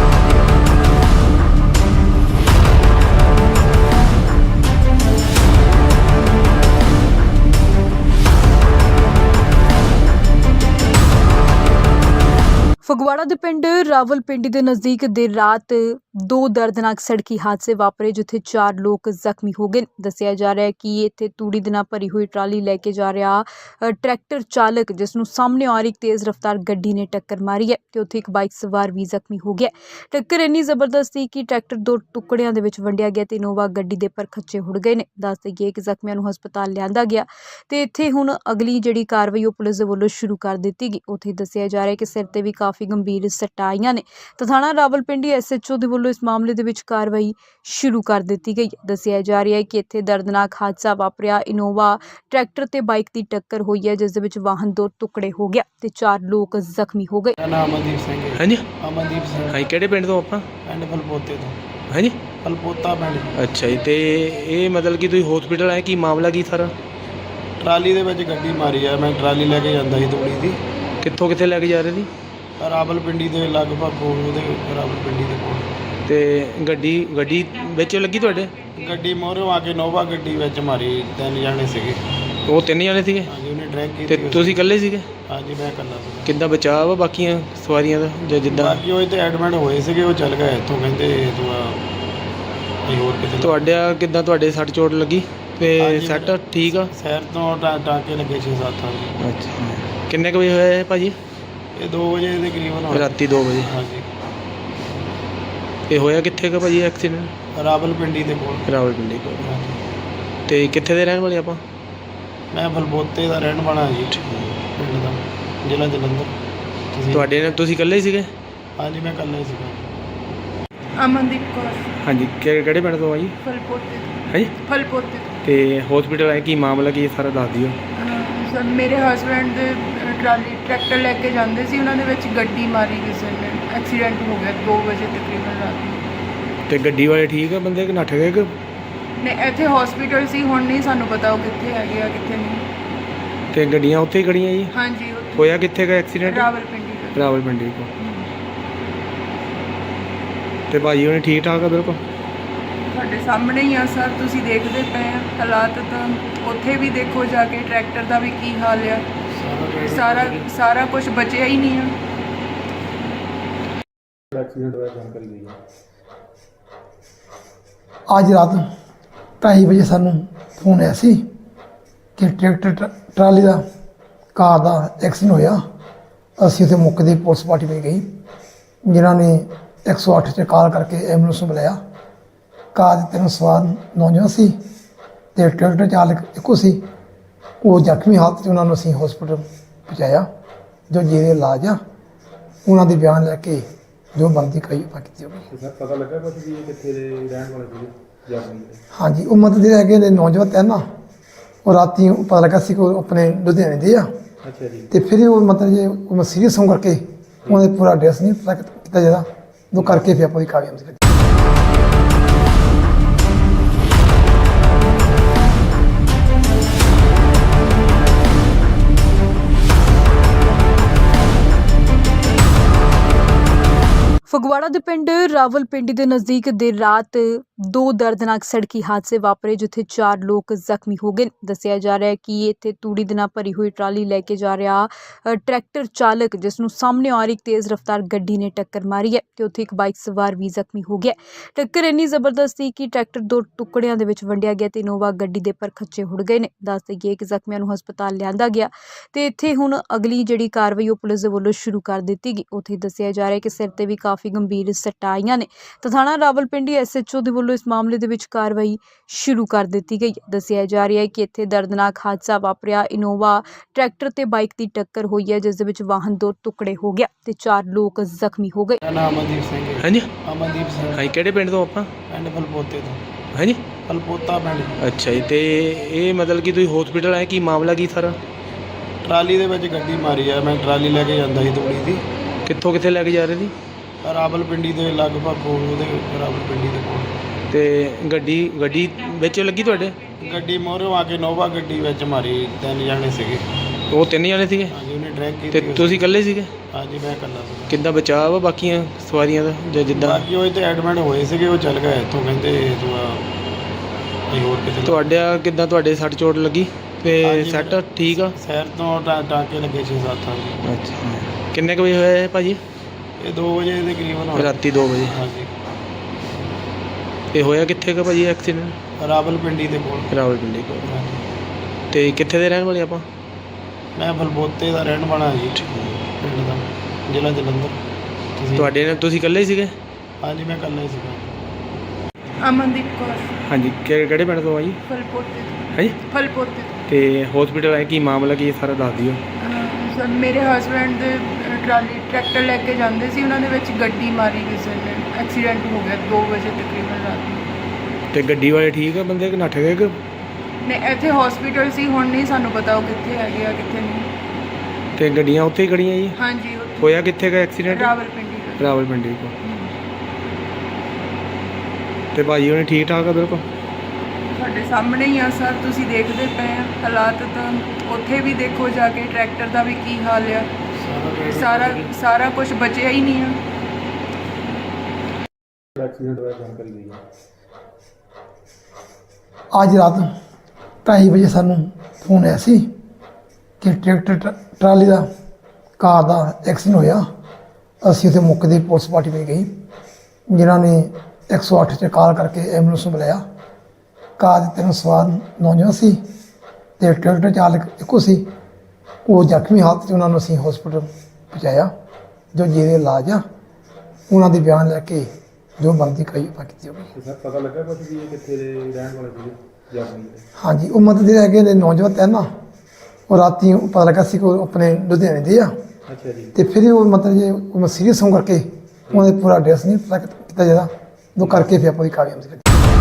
[SPEAKER 1] ਫਗਵਾੜਾ ਦੇ ਪਿੰਡ ਰਾਵਲਪਿੰਡੀ ਦੇ ਨਜ਼ਦੀਕ ਦੇਰ ਰਾਤ ਦੋ ਦਰਦਨਾਕ ਸੜਕੀ ਹਾਦਸੇ ਵਾਪਰੇ, ਜਿੱਥੇ ਚਾਰ ਲੋਕ ਜ਼ਖਮੀ ਹੋ ਗਏ। ਦੱਸਿਆ ਜਾ ਰਿਹਾ ਹੈ ਕਿ ਇੱਥੇ ਤੂੜੀ ਦੇ ਨਾਲ ਭਰੀ ਹੋਈ ਟਰਾਲੀ ਲੈ ਕੇ ਜਾ ਰਿਹਾ ਅ, ਟਰੈਕਟਰ ਚਾਲਕ, ਜਿਸ ਨੂੰ ਸਾਹਮਣੇ ਆ ਰਹੀ ਇੱਕ ਤੇਜ਼ ਰਫ਼ਤਾਰ ਗੱਡੀ ਨੇ ਟੱਕਰ ਮਾਰੀ ਹੈ ਤੇ ਉੱਥੇ ਇੱਕ ਬਾਈਕ ਸਵਾਰ ਵੀ ਜ਼ਖਮੀ ਹੋ ਗਿਆ। ਟੱਕਰ ਇੰਨੀ ਜ਼ਬਰਦਸਤ ਸੀ ਕਿ ਟਰੈਕਟਰ ਦੋ ਟੁਕੜਿਆਂ ਦੇ ਵਿੱਚ ਵੰਡਿਆ ਗਿਆ ਤੇ ਇਨੋਵਾ ਗੱਡੀ ਦੇ ਪਰ ਖੱਚੇ ਹੁੜ ਗਏ ਨੇ। ਦੱਸ ਦੇਈਏ ਕਿ ਜ਼ਖਮੀਆਂ ਨੂੰ ਹਸਪਤਾਲ ਲਿਆਂਦਾ ਗਿਆ ਤੇ ਇੱਥੇ ਹੁਣ ਅਗਲੀ ਜਿਹੜੀ ਕਾਰਵਾਈ ਉਹ ਪੁਲਿਸ ਦੇ ਵੱਲੋਂ ਸ਼ੁਰੂ ਕਰ ਦਿੱਤੀ ਗਈ। ਉੱਥੇ ਦੱਸਿਆ ਜਾ ਰਿਹਾ ਹੈ ਕਿ ਸਿਰ ਤੇ ਵੀ ਕਾਫੀ ਗੰਭੀਰ ਸੱਟਾਂ ਆਈਆਂ ਨੇ ਤਾਂ ਥਾਣਾ ਰਾਵਲਪਿੰਡੀ ਐਸ ਐਚ ਓ ਦੇ ਵੱਲੋਂ ਇਸ ਮਾਮਲੇ ਦੇ ਵਿੱਚ ਕਾਰਵਾਈ ਸ਼ੁਰੂ ਕਰ ਦਿੱਤੀ ਗਈ ਹੈ। ਦੱਸਿਆ ਜਾ ਰਿਹਾ ਹੈ ਕਿ ਇੱਥੇ ਦਰਦਨਾਕ ਹਾਦਸਾ ਵਾਪਰਿਆ। ਇਨੋਵਾ ਟਰੈਕਟਰ ਤੇ ਬਾਈਕ ਦੀ ਟੱਕਰ ਹੋਈ ਹੈ, ਜਿਸ ਦੇ ਵਿੱਚ ਵਾਹਨ ਦੋ ਟੁਕੜੇ ਹੋ ਗਿਆ ਤੇ ਚਾਰ ਲੋਕ ਜ਼ਖਮੀ ਹੋ ਗਏ।
[SPEAKER 2] ਮੇਰਾ ਨਾਮ ਅਮਨਦੀਪ ਸਿੰਘ ਹੈ।
[SPEAKER 3] ਹਾਂਜੀ।
[SPEAKER 2] ਅਮਨਦੀਪ ਸਿੰਘ।
[SPEAKER 3] ਹਾਂਜੀ। ਕਿਹੜੇ ਪਿੰਡ ਤੋਂ ਆਪਾਂ?
[SPEAKER 2] ਪਿੰਡ ਬਲਬੋਤੇ ਤੋਂ।
[SPEAKER 3] ਹਾਂਜੀ।
[SPEAKER 2] ਬਲਬੋਤਾ ਪਿੰਡ।
[SPEAKER 3] ਅੱਛਾ ਜੀ। ਤੇ ਇਹ ਮਤਲਬ ਕਿ ਤੁਸੀਂ ਹਸਪੀਟਲ ਆਏ, ਕੀ ਮਾਮਲਾ ਕੀ ਸਾਰਾ?
[SPEAKER 2] ਟਰਾਲੀ ਦੇ ਵਿੱਚ ਗੱਡੀ ਮਾਰੀ ਆ। ਮੈਂ ਟਰਾਲੀ ਲੈ ਕੇ ਜਾਂਦਾ ਸੀ ਤੂੜੀ ਦੀ।
[SPEAKER 3] ਕਿੱਥੋਂ ਕਿੱਥੇ ਲੈ ਕੇ ਜਾ ਰਹੇ ਸੀ?
[SPEAKER 2] ਰਾਵਲਪਿੰਡੀ ਦੇ ਲਗਭਗ ਕੋਲ, ਉਹਦੇ ਰਾਵਲਪਿੰਡੀ ਦੇ ਕੋਲ।
[SPEAKER 3] ਤੇ ਗੱਡੀ ਗੱਡੀ ਵਿੱਚ ਲੱਗੀ ਤੁਹਾਡੇ?
[SPEAKER 2] ਗੱਡੀ ਮੋਹਰੋਂ ਆ ਕੇ ਨੋਵਾ ਗੱਡੀ ਵਿੱਚ ਮਾਰੀ। ਤਿੰਨ ਜਾਣੇ ਸੀਗੇ।
[SPEAKER 3] ਉਹ ਤਿੰਨ ਜਣੇ ਸੀਗੇ?
[SPEAKER 2] ਹਾਂਜੀ, ਉਹਨੇ ਡਰੈਗ
[SPEAKER 3] ਤੇ
[SPEAKER 2] ਕੀਤੀ।
[SPEAKER 3] ਤੁਸੀਂ ਇਕੱਲੇ ਸੀਗੇ?
[SPEAKER 2] ਹਾਂਜੀ, ਮੈਂ ਇਕੱਲਾ ਸੀਗਾ।
[SPEAKER 3] ਕਿੱਦਾਂ ਬਚਾਅ ਵਾ ਬਾਕੀਆਂ ਸਵਾਰੀਆਂ ਦਾ ਜਾਂ ਜਿੱਦਾਂ?
[SPEAKER 2] ਬਾਕੀ ਉਹ ਇੱਥੇ ਐਡਮਿਟ ਹੋਏ ਸੀਗੇ, ਉਹ ਚੱਲ ਗਏ ਇੱਥੋਂ, ਕਹਿੰਦੇ ਤੂੰ ਆ ਕੋਈ ਹੋਰ ਕਿਤੇ।
[SPEAKER 3] ਤੁਹਾਡਾ ਕਿੱਦਾਂ, ਤੁਹਾਡੇ ਸੱਟ ਚੋਟ ਲੱਗੀ ਤੇ
[SPEAKER 2] ਹਾਂਜੀ,
[SPEAKER 3] ਸੱਟ ਠੀਕ ਆ?
[SPEAKER 2] ਸ਼ਹਿਰ ਤੋਂ ਟਾ- ਟਾਂਕੇ ਲੱਗੇ ਛੇ ਸੱਤ ਆ।
[SPEAKER 3] ਅੱਛਾ। ਕਿੰਨੇ ਕੁ ਵਜੇ ਹੋਇਆ ਇਹ ਭਾਜੀ?
[SPEAKER 2] ਇਹ ਦੋ ਵਜੇ ਦੇ ਕਰੀਬਨ ਹੋਇਆ।
[SPEAKER 3] ਰਾਤੀ ਦੋ ਵਜੇ।
[SPEAKER 2] ਹਾਂਜੀ।
[SPEAKER 3] ਇਹ ਹੋਇਆ ਕਿੱਥੇ ਕਾ ਭਾਜੀ ਐਕਸੀਡੈਂਟ?
[SPEAKER 2] ਰਾਵਲਪਿੰਡੀ ਦੇ ਕੋਲ।
[SPEAKER 3] ਰਾਵਲਪਿੰਡੀ ਕੋਲ।
[SPEAKER 2] ਹਾਂਜੀ।
[SPEAKER 3] ਤੇ ਕਿੱਥੇ ਦੇ ਰਹਿਣ ਵਾਲੇ ਆਪਾਂ?
[SPEAKER 2] ਮੈਂ ਬਲਬੋਤੇ ਦਾ ਰਹਿਣ ਵਾਲਾ ਜੀ, ਪਿੰਡ ਦਾ, ਜ਼ਿਲ੍ਹਾ ਜਲੰਧਰ। ਤੁਸੀਂ?
[SPEAKER 3] ਤੁਹਾਡੇ ਨਾਲ ਤੁਸੀਂ ਇਕੱਲੇ ਹੀ ਸੀਗੇ?
[SPEAKER 2] ਹਾਂਜੀ, ਮੈਂ ਇਕੱਲਾ ਹੀ ਸੀਗਾ।
[SPEAKER 4] ਅਮਨਦੀਪ ਕੌਰ
[SPEAKER 3] ਹਾਂਜੀ। ਕਿ- ਕਿਹੜੇ ਪਿੰਡ ਤੋਂ ਆ ਜੀ?
[SPEAKER 4] ਫਲਪੋਤੇ ਤੋਂ।
[SPEAKER 3] ਹਾਂਜੀ।
[SPEAKER 4] ਫਲਪੋਤੇ ਤੋਂ।
[SPEAKER 3] ਤੇ ਹਸਪੀਟਲ ਆਏ, ਕੀ ਮਾਮਲਾ ਕੀ ਹੈ ਸਾਰਾ ਦੱਸ ਦਿਓ।
[SPEAKER 4] ਅਹ ਸਰ ਮੇਰੇ ਹਸਬੈਂਡ ਦੇ ਅਹ, ਟਰਾਲੀ ਟਰੈਕਟਰ ਲੈ ਕੇ ਜਾਂਦੇ ਸੀ, ਉਹਨਾਂ ਦੇ ਵਿੱਚ ਗੱਡੀ ਮਾਰੀ ਕਿਸੇ ਨੇ, ਐਕਸੀਡੈਂਟ ਹੋ ਗਿਆ ਦੋ ਵਜੇ ਤਕਰੀਬਨ ਰਾਤ ਨੂੰ।
[SPEAKER 3] ਤੇ ਗੱਡੀ ਵਾਲੇ ਠੀਕ ਆ ਬੰਦੇ ਕਿ ਨੱਠ ਗਏ ਕਿ?
[SPEAKER 4] ਨੇ ਇੱਥੇ ਹਸਪੀਟਲ ਸੀ, ਹੁਣ ਨਹੀਂ ਸਾਨੂੰ ਪਤਾ ਉਹ ਕਿੱਥੇ ਹੈਗੇ ਆ ਕਿੱਥੇ ਨਹੀਂ।
[SPEAKER 3] ਤੇ ਗੱਡੀਆਂ ਉੱਥੇ ਹੀ ਖੜੀਆਂ ਜੀ?
[SPEAKER 4] ਹਾਂਜੀ ਉੱਥੇ
[SPEAKER 3] ਹੋਇਆ ਕਿੱਥੇ ਦਾ ਐਕਸੀਡੈਂਟ?
[SPEAKER 4] ਰਾਵਲਪਿੰਡੀ ਦਾ।
[SPEAKER 3] ਰਾਵਲਪਿੰਡੀ ਕੋਲ। ਤੇ ਭਾਜੀ ਉਹਨੇ ਠੀਕ ਠਾਕ ਆ ਬਿਲਕੁਲ?
[SPEAKER 4] ਤੁਹਾਡੇ ਸਾਹਮਣੇ ਹੀ ਆ ਸਰ, ਤੁਸੀਂ ਦੇਖਦੇ ਪਏ ਆ ਹਾਲਾਤ ਤਾਂ। ਉੱਥੇ ਵੀ ਦੇਖੋ ਜਾ ਕੇ ਟਰੈਕਟਰ ਦਾ ਵੀ ਕੀ ਹਾਲ ਆ। ਸਾਰਾ ਸਾਰਾ ਕੁਝ ਬਚਿਆ ਹੀ ਨਹੀਂ ਆ।
[SPEAKER 6] ਐਕਸੀਡੈਂਟ ਹੋਇਆ ਜਾਣਕਾਰੀ ਲਈ ਹੈ।
[SPEAKER 5] ਅੱਜ ਰਾਤ ਢਾਈ ਵਜੇ ਸਾਨੂੰ ਫੋਨ ਆਇਆ ਸੀ ਕਿ ਟਰੈਕਟਰ ਟ- ਟਰਾਲੀ ਦਾ ਕਾਰ ਦਾ ਐਕਸੀਡੈਂਟ ਹੋਇਆ। ਅਸੀਂ ਉੱਥੇ ਮੌਕੇ ਦੀ ਪੁਲਿਸ ਪਾਰਟੀ ਵਿੱਚ ਗਈ, ਜਿਨ੍ਹਾਂ ਨੇ ਇੱਕ ਸੌ ਅੱਠ 'ਤੇ ਕਾਲ ਕਰਕੇ ਐਂਬੂਲੈਂਸ ਨੂੰ ਬੁਲਾਇਆ। ਕਾਰ ਦੇ ਤਿੰਨ ਸਵਾਰ ਨੌਜਵਾਨ ਸੀ ਅਤੇ ਟਰੈਕਟਰ ਚਾਲਕ ਇੱਕੋ ਸੀ। ਉਹ ਜ਼ਖਮੀ ਹਾਲਤ 'ਚ ਉਹਨਾਂ ਨੂੰ ਅਸੀਂ ਹਸਪੀਟਲ ਪਹੁੰਚਾਇਆ ਜੋ ਜਿਹਦੇ ਇਲਾਜ ਆ ਉਹਨਾਂ ਦੇ ਬਿਆਨ ਲੈ ਕੇ ਜੋ ਬਣਦੀ ਕਾਰਵਾਈ ਆਪਾਂ ਕੀਤੀ ਹੋਵੇ।
[SPEAKER 6] ਤੇ ਸਰ ਪਤਾ ਲੱਗਾ ਕੁਝ ਵੀ ਇਹ ਕਿੱਥੇ ਦੇ ਰਹਿਣ ਵਾਲੇ ਸੀਗੇ ਜਰਮਨੀ ਦੇ?
[SPEAKER 5] ਹਾਂਜੀ ਉਹ ਮਤਲਬ ਜਿਹੜੇ ਹੈਗੇ ਨੇ ਨੌਜਵਾਨ ਹੈ ਨਾ ਉਹ ਰਾਤੀ ਉਹ ਪਤਾ ਲੱਗਾ ਸੀ ਕਿ ਉਹ ਆਪਣੇ ਲੁਧਿਆਣੇ ਦੇ ਆ
[SPEAKER 6] ਅੱਛਾ ਜੀ।
[SPEAKER 5] ਤੇ ਫਿਰ ਉਹ ਮਤਲਬ ਜੇ ਉਹ ਸੀਰੀਅਸ ਹੋਣ ਕਰਕੇ ਉਹਨਾਂ ਦੇ ਪੂਰਾ ਐਡਰੈਸ ਨਹੀਂ ਪਤਾ ਕੀਤਾ ਜਾਂਦਾ ਉਹ ਕਰਕੇ ਫਿਰ ਆਪਾਂ ਦੀ ਕਾਰਵਾਈ ਕੀਤੀ।
[SPEAKER 1] ਫਗਵਾੜਾ ਦੇ ਪਿੰਡ ਰਾਵਲਪਿੰਡੀ ਦੇ ਨਜ਼ਦੀਕ ਦੇਰ ਰਾਤ ਦੋ ਦਰਦਨਾਕ ਸੜਕੀ ਹਾਦਸੇ ਵਾਪਰੇ ਜਿੱਥੇ ਚਾਰ ਲੋਕ ਜ਼ਖਮੀ ਹੋ ਗਏ। ਦੱਸਿਆ ਜਾ ਰਿਹਾ ਹੈ ਕਿ ਇੱਥੇ ਤੂੜੀ ਦੇ ਨਾਲ ਭਰੀ ਹੋਈ ਟਰਾਲੀ ਲੈ ਕੇ ਜਾ ਰਿਹਾ ਅ, ਟਰੈਕਟਰ ਚਾਲਕ ਜਿਸ ਨੂੰ ਸਾਹਮਣੇ ਆ ਰਹੀ ਇੱਕ ਤੇਜ਼ ਰਫ਼ਤਾਰ ਗੱਡੀ ਨੇ ਟੱਕਰ ਮਾਰੀ ਹੈ ਤੇ ਉੱਥੇ ਇੱਕ ਬਾਈਕ ਸਵਾਰ ਵੀ ਜ਼ਖਮੀ ਹੋ ਗਿਆ। ਟੱਕਰ ਇੰਨੀ ਜ਼ਬਰਦਸਤ ਸੀ ਕਿ ਟਰੈਕਟਰ ਦੋ ਟੁਕੜਿਆਂ ਦੇ ਵਿੱਚ ਵੰਡਿਆ ਗਿਆ ਤੇ ਇਨੋਵਾ ਗੱਡੀ ਦੇ ਪਰ ਖੱਚੇ ਹੁੜ ਗਏ ਨੇ। ਦੱਸ ਦੇਈਏ ਕਿ ਜ਼ਖਮੀਆਂ ਨੂੰ ਹਸਪਤਾਲ ਲਿਆਂਦਾ ਗਿਆ ਤੇ ਇੱਥੇ ਹੁਣ ਅਗਲੀ ਜਿਹੜੀ ਕਾਰਵਾਈ ਉਹ ਪੁਲਿਸ ਦੇ ਵੱਲੋਂ ਸ਼ੁਰੂ ਕਰ ਦਿੱਤੀ ਗਈ। ਉੱਥੇ ਦੱਸਿਆ ਜਾ ਰਿਹਾ ਹੈ ਕਿ ਸਿਰ ਤੇ ਵੀ ਕਾਫੀ ਗੰਭੀਰ ਸੱਟਾਂ ਆਈਆਂ ਨੇ ਤਾਂ ਥਾਣਾ ਰਾਵਲਪਿੰਡੀ ਐਸ ਐਚ ਓ ਦੇ ਵੱਲੋਂ ਇਸ ਮਾਮਲੇ ਦੇ ਵਿੱਚ ਕਾਰਵਾਈ ਸ਼ੁਰੂ ਕਰ ਦਿੱਤੀ ਗਈ। ਦੱਸਿਆ ਜਾ ਰਿਹਾ ਹੈ ਕਿ ਇੱਥੇ ਦਰਦਨਾਕ ਹਾਦਸਾ ਵਾਪਰਿਆ। ਇਨੋਵਾ ਟਰੈਕਟਰ ਤੇ ਬਾਈਕ ਦੀ ਟੱਕਰ ਹੋਈ ਹੈ ਜਿਸ ਦੇ ਵਿੱਚ ਵਾਹਨ ਦੋ ਟੁਕੜੇ ਹੋ ਗਿਆ ਤੇ ਚਾਰ ਲੋਕ ਜ਼ਖਮੀ ਹੋ ਗਏ।
[SPEAKER 2] ਮੇਰਾ ਨਾਮ ਅਮਨਦੀਪ ਸਿੰਘ ਹੈ।
[SPEAKER 3] ਹਾਂਜੀ
[SPEAKER 2] ਅਮਨਦੀਪ ਸਿੰਘ
[SPEAKER 3] ਹਾਂਜੀ ਕਿਹੜੇ ਪਿੰਡ ਤੋਂ ਆਪਾਂ?
[SPEAKER 2] ਪਿੰਡ ਫਲਪੋਤੇ ਤੋਂ।
[SPEAKER 3] ਹਾਂਜੀ
[SPEAKER 2] ਫਲਪੋਤਾ ਪਿੰਡ।
[SPEAKER 3] ਅੱਛਾ ਜੀ। ਤੇ ਇਹ ਮਤਲਬ ਕਿ ਤੁਸੀਂ ਹਸਪੀਟਲ ਆਏ, ਕੀ ਮਾਮਲਾ ਕੀ ਸਾਰਾ?
[SPEAKER 2] ਟਰਾਲੀ ਦੇ ਵਿੱਚ ਗੱਡੀ ਮਾਰੀ ਆ। ਮੈਂ ਟਰਾਲੀ ਲੈ ਕੇ ਜਾਂਦਾ ਸੀ ਤੂੜੀ ਦੀ।
[SPEAKER 3] ਕਿੱਥੋਂ ਕਿੱਥੇ ਲੈ ਕੇ ਜਾ ਰਹੇ ਸੀ?
[SPEAKER 2] ਰਾਵਲਪਿੰਡੀ ਦੇ ਲਗਭਗ ਕੋਲ ਉਹਦੇ ਰਾਵਲਪਿੰਡੀ ਦੇ ਕੋਲ।
[SPEAKER 3] ਤੇ ਗੱਡੀ ਗੱਡੀ ਵਿੱਚ ਲੱਗੀ ਤੁਹਾਡੇ?
[SPEAKER 2] ਗੱਡੀ ਮੋਹਰੋਂ ਆ ਕੇ ਨੋਵਾ ਗੱਡੀ ਵਿੱਚ ਮਾਰੀ। ਤਿੰਨ ਜਣੇ ਸੀਗੇ।
[SPEAKER 3] ਉਹ ਤਿੰਨ ਜਣੇ ਸੀਗੇ
[SPEAKER 2] ਹਾਂਜੀ ਉਹਨੇ ਡਰੈਗ
[SPEAKER 3] ਤੇ
[SPEAKER 2] ਕੀਤੀ।
[SPEAKER 3] ਤੁਸੀਂ ਇਕੱਲੇ ਸੀਗੇ?
[SPEAKER 2] ਹਾਂਜੀ ਮੈਂ ਇਕੱਲਾ ਸੀ।
[SPEAKER 3] ਕਿੱਦਾਂ ਬਚਾਅ ਵਾ ਬਾਕੀਆਂ ਸਵਾਰੀਆਂ ਦਾ ਜਾਂ ਜਿੱਦਾਂ?
[SPEAKER 2] ਬਾਕੀ ਉਹ ਇੱਥੇ ਐਡਮਿਟ ਹੋਏ ਸੀਗੇ। ਉਹ ਚੱਲ ਗਏ ਇੱਥੋਂ, ਕਹਿੰਦੇ ਤੂੰ ਆ ਕੋਈ ਹੋਰ ਕਿਤੇ।
[SPEAKER 3] ਤੁਹਾਡਾ ਕਿੱਦਾਂ ਤੁਹਾਡੇ ਸੱਟ ਚੋਟ ਲੱਗੀ ਤੇ
[SPEAKER 2] ਹਾਂਜੀ,
[SPEAKER 3] ਸੱਟ ਠੀਕ ਆ?
[SPEAKER 2] ਸ਼ਹਿਰ ਤੋਂ ਟਾ- ਟਾਂਕੇ ਲੱਗੇ ਛੇ ਸੱਤ। ਹਾਂਜੀ
[SPEAKER 3] ਅੱਛਾ। ਕਿੰਨੇ ਕੁ ਵਜੇ ਹੋਇਆ ਇਹ ਭਾਜੀ?
[SPEAKER 2] ਇਹ ਦੋ ਵਜੇ ਦੇ ਕਰੀਬਨ ਹੋਇਆ।
[SPEAKER 3] ਰਾਤੀ ਦੋ ਵਜੇ।
[SPEAKER 2] ਹਾਂਜੀ
[SPEAKER 3] ਇਹ ਹੋਇਆ ਕਿੱਥੇ ਕੁ ਭਾਜੀ ਐਕਸੀਡੈਂਟ?
[SPEAKER 2] ਰਾਵਲਪਿੰਡੀ ਦੇ ਕੋਲ।
[SPEAKER 3] ਰਾਵਲਪਿੰਡੀ ਕੋਲ।
[SPEAKER 2] ਹਾਂਜੀ।
[SPEAKER 3] ਤੇ ਕਿੱਥੇ ਦੇ ਰਹਿਣ ਵਾਲੇ ਆਪਾਂ?
[SPEAKER 2] ਮੈਂ ਫਲਬੋਤੇ ਦਾ ਰਹਿਣ ਵਾਲਾ ਜੀ, ਪਿੰਡ ਦਾ, ਜ਼ਿਲ੍ਹਾ ਜਲੰਧਰ। ਤੁਸੀਂ?
[SPEAKER 3] ਤੁਹਾਡੇ ਨਾਲ ਤੁਸੀਂ ਇਕੱਲੇ ਹੀ ਸੀਗੇ?
[SPEAKER 2] ਹਾਂਜੀ ਮੈਂ ਇਕੱਲਾ ਹੀ ਸੀਗਾ।
[SPEAKER 4] ਅਮਨਦੀਪ ਕੌਰ
[SPEAKER 3] ਹਾਂਜੀ ਕਿ- ਕਿਹੜੇ ਪਿੰਡ ਤੋਂ ਆ ਜੀ?
[SPEAKER 4] ਫਲਪੋਤੇ ਤੋਂ।
[SPEAKER 3] ਹਾਂਜੀ।
[SPEAKER 4] ਫਲਪੋਤੇ ਤੋਂ।
[SPEAKER 3] ਤੇ ਹਸਪੀਟਲ ਆਏ, ਕੀ ਮਾਮਲਾ ਕੀ ਸਾਰਾ ਦੱਸ ਦਿਓ।
[SPEAKER 4] ਅਹ ਸਰ ਮੇਰੇ ਹਸਬੈਂਡ ਦੇ ਅਹ, ਟਰਾਲੀ ਟਰੈਕਟਰ ਲੈ ਕੇ ਜਾਂਦੇ ਸੀ, ਉਹਨਾਂ ਦੇ ਵਿੱਚ ਗੱਡੀ ਮਾਰੀ ਕਿਸੇ ਨੇ। ਐਕਸੀਡੈਂਟ ਹੋ ਗਿਆ ਦੋ ਵਜੇ ਤਕਰੀਬਨ ਰਾਤ ਨੂੰ।
[SPEAKER 3] ਤੇ ਗੱਡੀ ਵਾਲੇ ਠੀਕ ਆ ਬੰਦੇ ਕਿ ਨੱਠ ਗਏ ਕਿ?
[SPEAKER 4] ਨਹੀਂ ਇੱਥੇ ਹਸਪੀਟਲ ਸੀ, ਹੁਣ ਨਹੀਂ ਸਾਨੂੰ ਪਤਾ ਉਹ ਕਿੱਥੇ ਹੈਗੇ ਆ ਕਿੱਥੇ ਨਹੀਂ।
[SPEAKER 3] ਤੇ ਗੱਡੀਆਂ ਉੱਥੇ ਹੀ ਖੜੀਆਂ ਜੀ?
[SPEAKER 4] ਹਾਂਜੀ ਉੱਥੇ
[SPEAKER 3] ਹੋਇਆ ਕਿੱਥੇ ਦਾ ਐਕਸੀਡੈਂਟ?
[SPEAKER 4] ਰਾਵਲਪਿੰਡੀ ਦਾ।
[SPEAKER 3] ਰਾਵਲਪਿੰਡੀ ਕੋਲ। ਤੇ ਭਾਜੀ ਉਹਨੇ ਠੀਕ ਠਾਕ ਆ ਬਿਲਕੁਲ?
[SPEAKER 4] ਤੁਹਾਡੇ ਸਾਹਮਣੇ ਹੀ ਆ ਸਰ, ਤੁਸੀਂ ਦੇਖਦੇ ਪਏ ਆ ਹਾਲਾਤ। ਤਾਂ ਉੱਥੇ ਵੀ ਦੇਖੋ ਜਾ ਕੇ ਟਰੈਕਟਰ ਦਾ ਵੀ ਕੀ ਹਾਲ ਆ। ਸਾਰਾ ਸਾਰਾ ਕੁਝ ਬਚਿਆ ਹੀ ਨਹੀਂ ਆ।
[SPEAKER 6] ਐਕਸੀਡੈਂਟ ਹੋਇਆ ਜਾਣਕਾਰੀ ਲਈ ਹੈ।
[SPEAKER 5] ਅੱਜ ਰਾਤ ਢਾਈ ਵਜੇ ਸਾਨੂੰ ਫੋਨ ਆਇਆ ਸੀ ਕਿ ਟਰੈਕਟਰ ਟ- ਟਰਾਲੀ ਦਾ ਕਾਰ ਦਾ ਐਕਸੀਡੈਂਟ ਹੋਇਆ। ਅਸੀਂ ਉੱਥੇ ਮੌਕੇ ਦੀ ਪੁਲਿਸ ਪਾਰਟੀ ਵਿੱਚ ਗਈ, ਜਿਨ੍ਹਾਂ ਨੇ ਇੱਕ ਸੌ ਅੱਠ 'ਤੇ ਕਾਲ ਕਰਕੇ ਐਂਬੂਲੈਂਸ ਨੂੰ ਬੁਲਾਇਆ। ਕਾਰ ਦੇ ਤਿੰਨ ਸਵਾਰ ਨੌਜਵਾਨ ਸੀ ਤੇ ਟਰੈਕਟਰ ਚਾਲਕ ਇੱਕੋ ਸੀ। ਉਹ ਜ਼ਖਮੀ ਹਾਲਤ 'ਚ ਉਹਨਾਂ ਨੂੰ ਅਸੀਂ ਹਸਪੀਟਲ ਪਹੁੰਚਾਇਆ ਜੋ ਜਿਹਦੇ ਇਲਾਜ ਆ ਉਹਨਾਂ ਦੇ ਬਿਆਨ ਲੈ ਕੇ ਜੋ ਬਣਦੀ ਕਾਰਵਾਈ ਆਪਾਂ ਕੀਤੀ ਹੋਵੇ।
[SPEAKER 6] ਤੇ ਸਰ ਪਤਾ ਲੱਗਾ ਕੁਝ ਵੀ ਇਹ ਕਿੱਥੇ ਦੇ ਰਹਿਣ ਵਾਲੇ ਸੀਗੇ ਜਰਮਨੀ ਦੇ?
[SPEAKER 5] ਹਾਂਜੀ ਉਹ ਮਤਲਬ ਜਿਹੜੇ ਹੈਗੇ ਨੇ ਨੌਜਵਾਨ ਹੈ ਨਾ ਉਹ ਰਾਤੀ ਉਹ ਪਤਾ ਲੱਗਾ ਸੀ ਕਿ ਉਹ ਆਪਣੇ ਲੁਧਿਆਣੇ ਦੇ ਆ
[SPEAKER 6] ਅੱਛਾ ਜੀ।
[SPEAKER 5] ਤੇ ਫਿਰ ਉਹ ਮਤਲਬ ਜੇ ਉਹ ਸੀਰੀਅਸ ਹੋਣ ਕਰਕੇ ਉਹਨਾਂ ਦੇ ਪੂਰਾ ਐਡਰੈਸ ਨਹੀਂ ਪਤਾ ਕੀਤਾ ਜਾਂਦਾ ਉਹ ਕਰਕੇ ਫਿਰ ਆਪਾਂ ਦੀ ਕਾਰਵਾਈ ਕੀਤੀ।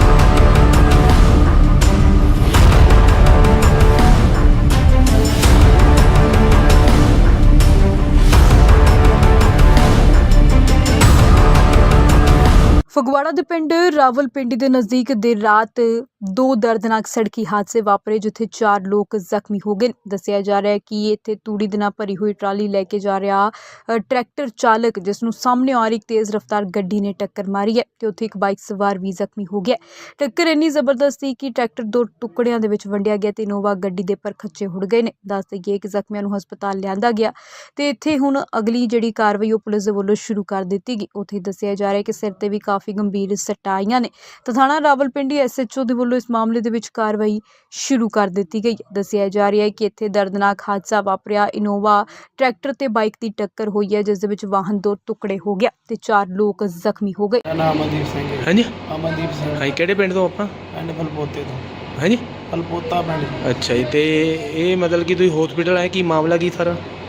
[SPEAKER 1] ਫਗਵਾੜਾ ਦੇ ਪਿੰਡ ਰਾਵਲਪਿੰਡੀ ਦੇ ਨਜ਼ਦੀਕ ਦੇਰ ਰਾਤ ਦੋ ਦਰਦਨਾਕ ਸੜਕੀ ਹਾਦਸੇ ਵਾਪਰੇ ਜਿੱਥੇ ਚਾਰ ਲੋਕ ਜ਼ਖਮੀ ਹੋ ਗਏ। ਦੱਸਿਆ ਜਾ ਰਿਹਾ ਹੈ ਕਿ ਇੱਥੇ ਤੂੜੀ ਦੇ ਨਾਲ ਭਰੀ ਹੋਈ ਟਰਾਲੀ ਲੈ ਕੇ ਜਾ ਰਿਹਾ ਅ, ਟਰੈਕਟਰ ਚਾਲਕ ਜਿਸ ਨੂੰ ਸਾਹਮਣੇ ਆ ਰਹੀ ਇੱਕ ਤੇਜ਼ ਰਫ਼ਤਾਰ ਗੱਡੀ ਨੇ ਟੱਕਰ ਮਾਰੀ ਹੈ ਤੇ ਉੱਥੇ ਇੱਕ ਬਾਈਕ ਸਵਾਰ ਵੀ ਜ਼ਖਮੀ ਹੋ ਗਿਆ। ਟੱਕਰ ਇੰਨੀ ਜ਼ਬਰਦਸਤ ਸੀ ਕਿ ਟਰੈਕਟਰ ਦੋ ਟੁਕੜਿਆਂ ਦੇ ਵਿੱਚ ਵੰਡਿਆ ਗਿਆ ਤੇ ਇਨੋਵਾ ਗੱਡੀ ਦੇ ਪਰ ਖੱਚੇ ਹੁੜ ਗਏ ਨੇ। ਦੱਸ ਦੇਈਏ ਕਿ ਜ਼ਖਮੀਆਂ ਨੂੰ ਹਸਪਤਾਲ ਲਿਆਂਦਾ ਗਿਆ ਤੇ ਇੱਥੇ ਹੁਣ ਅਗਲੀ ਜਿਹੜੀ ਕਾਰਵਾਈ ਉਹ ਪੁਲਿਸ ਦੇ ਵੱਲੋਂ ਸ਼ੁਰੂ ਕਰ ਦਿੱਤੀ ਗਈ। ਉੱਥੇ ਦੱਸਿਆ ਜਾ ਰਿਹਾ ਹੈ ਕਿ ਸਿਰ ਤੇ ਵੀ ਕਾਫੀ ਗੰਭੀਰ ਸੱਟਾਂ ਆਈਆਂ ਨੇ ਤਾਂ ਥਾਣਾ ਰਾਵਲਪਿੰਡੀ ਐਸ ਐਚ ਓ ਦੇ ਵੱਲੋਂ ਇਸ ਮਾਮਲੇ ਦੇ ਵਿੱਚ ਕਾਰਵਾਈ ਸ਼ੁਰੂ ਕਰ ਦਿੱਤੀ ਗਈ। ਦੱਸਿਆ ਜਾ ਰਿਹਾ ਹੈ ਕਿ ਇੱਥੇ ਦਰਦਨਾਕ ਹਾਦਸਾ ਵਾਪਰਿਆ। ਇਨੋਵਾ ਟਰੈਕਟਰ ਤੇ ਬਾਈਕ ਦੀ ਟੱਕਰ ਹੋਈ ਹੈ ਜਿਸ ਦੇ ਵਿੱਚ ਵਾਹਨ ਦੋ ਟੁਕੜੇ ਹੋ ਗਿਆ ਤੇ ਚਾਰ ਲੋਕ ਜ਼ਖਮੀ ਹੋ ਗਏ।
[SPEAKER 2] ਮੇਰਾ ਨਾਮ ਅਮਨਦੀਪ ਸਿੰਘ ਹੈ।
[SPEAKER 3] ਹਾਂਜੀ
[SPEAKER 2] ਅਮਨਦੀਪ ਸਿੰਘ।
[SPEAKER 3] ਹਾਂਜੀ ਕਿਹੜੇ ਪਿੰਡ ਤੋਂ ਆਪਾਂ?
[SPEAKER 2] ਪਿੰਡ ਫਲਪੋਤੇ ਤੋਂ।
[SPEAKER 3] ਹਾਂਜੀ।
[SPEAKER 2] ਫਲਪੋਤਾ ਪਿੰਡ।
[SPEAKER 3] ਅੱਛਾ ਜੀ। ਤੇ ਇਹ ਮਤਲਬ ਕਿ ਤੁਸੀਂ ਹਸਪੀਟਲ ਆਏ, ਕੀ ਮਾਮਲਾ ਕੀ ਸਾਰਾ?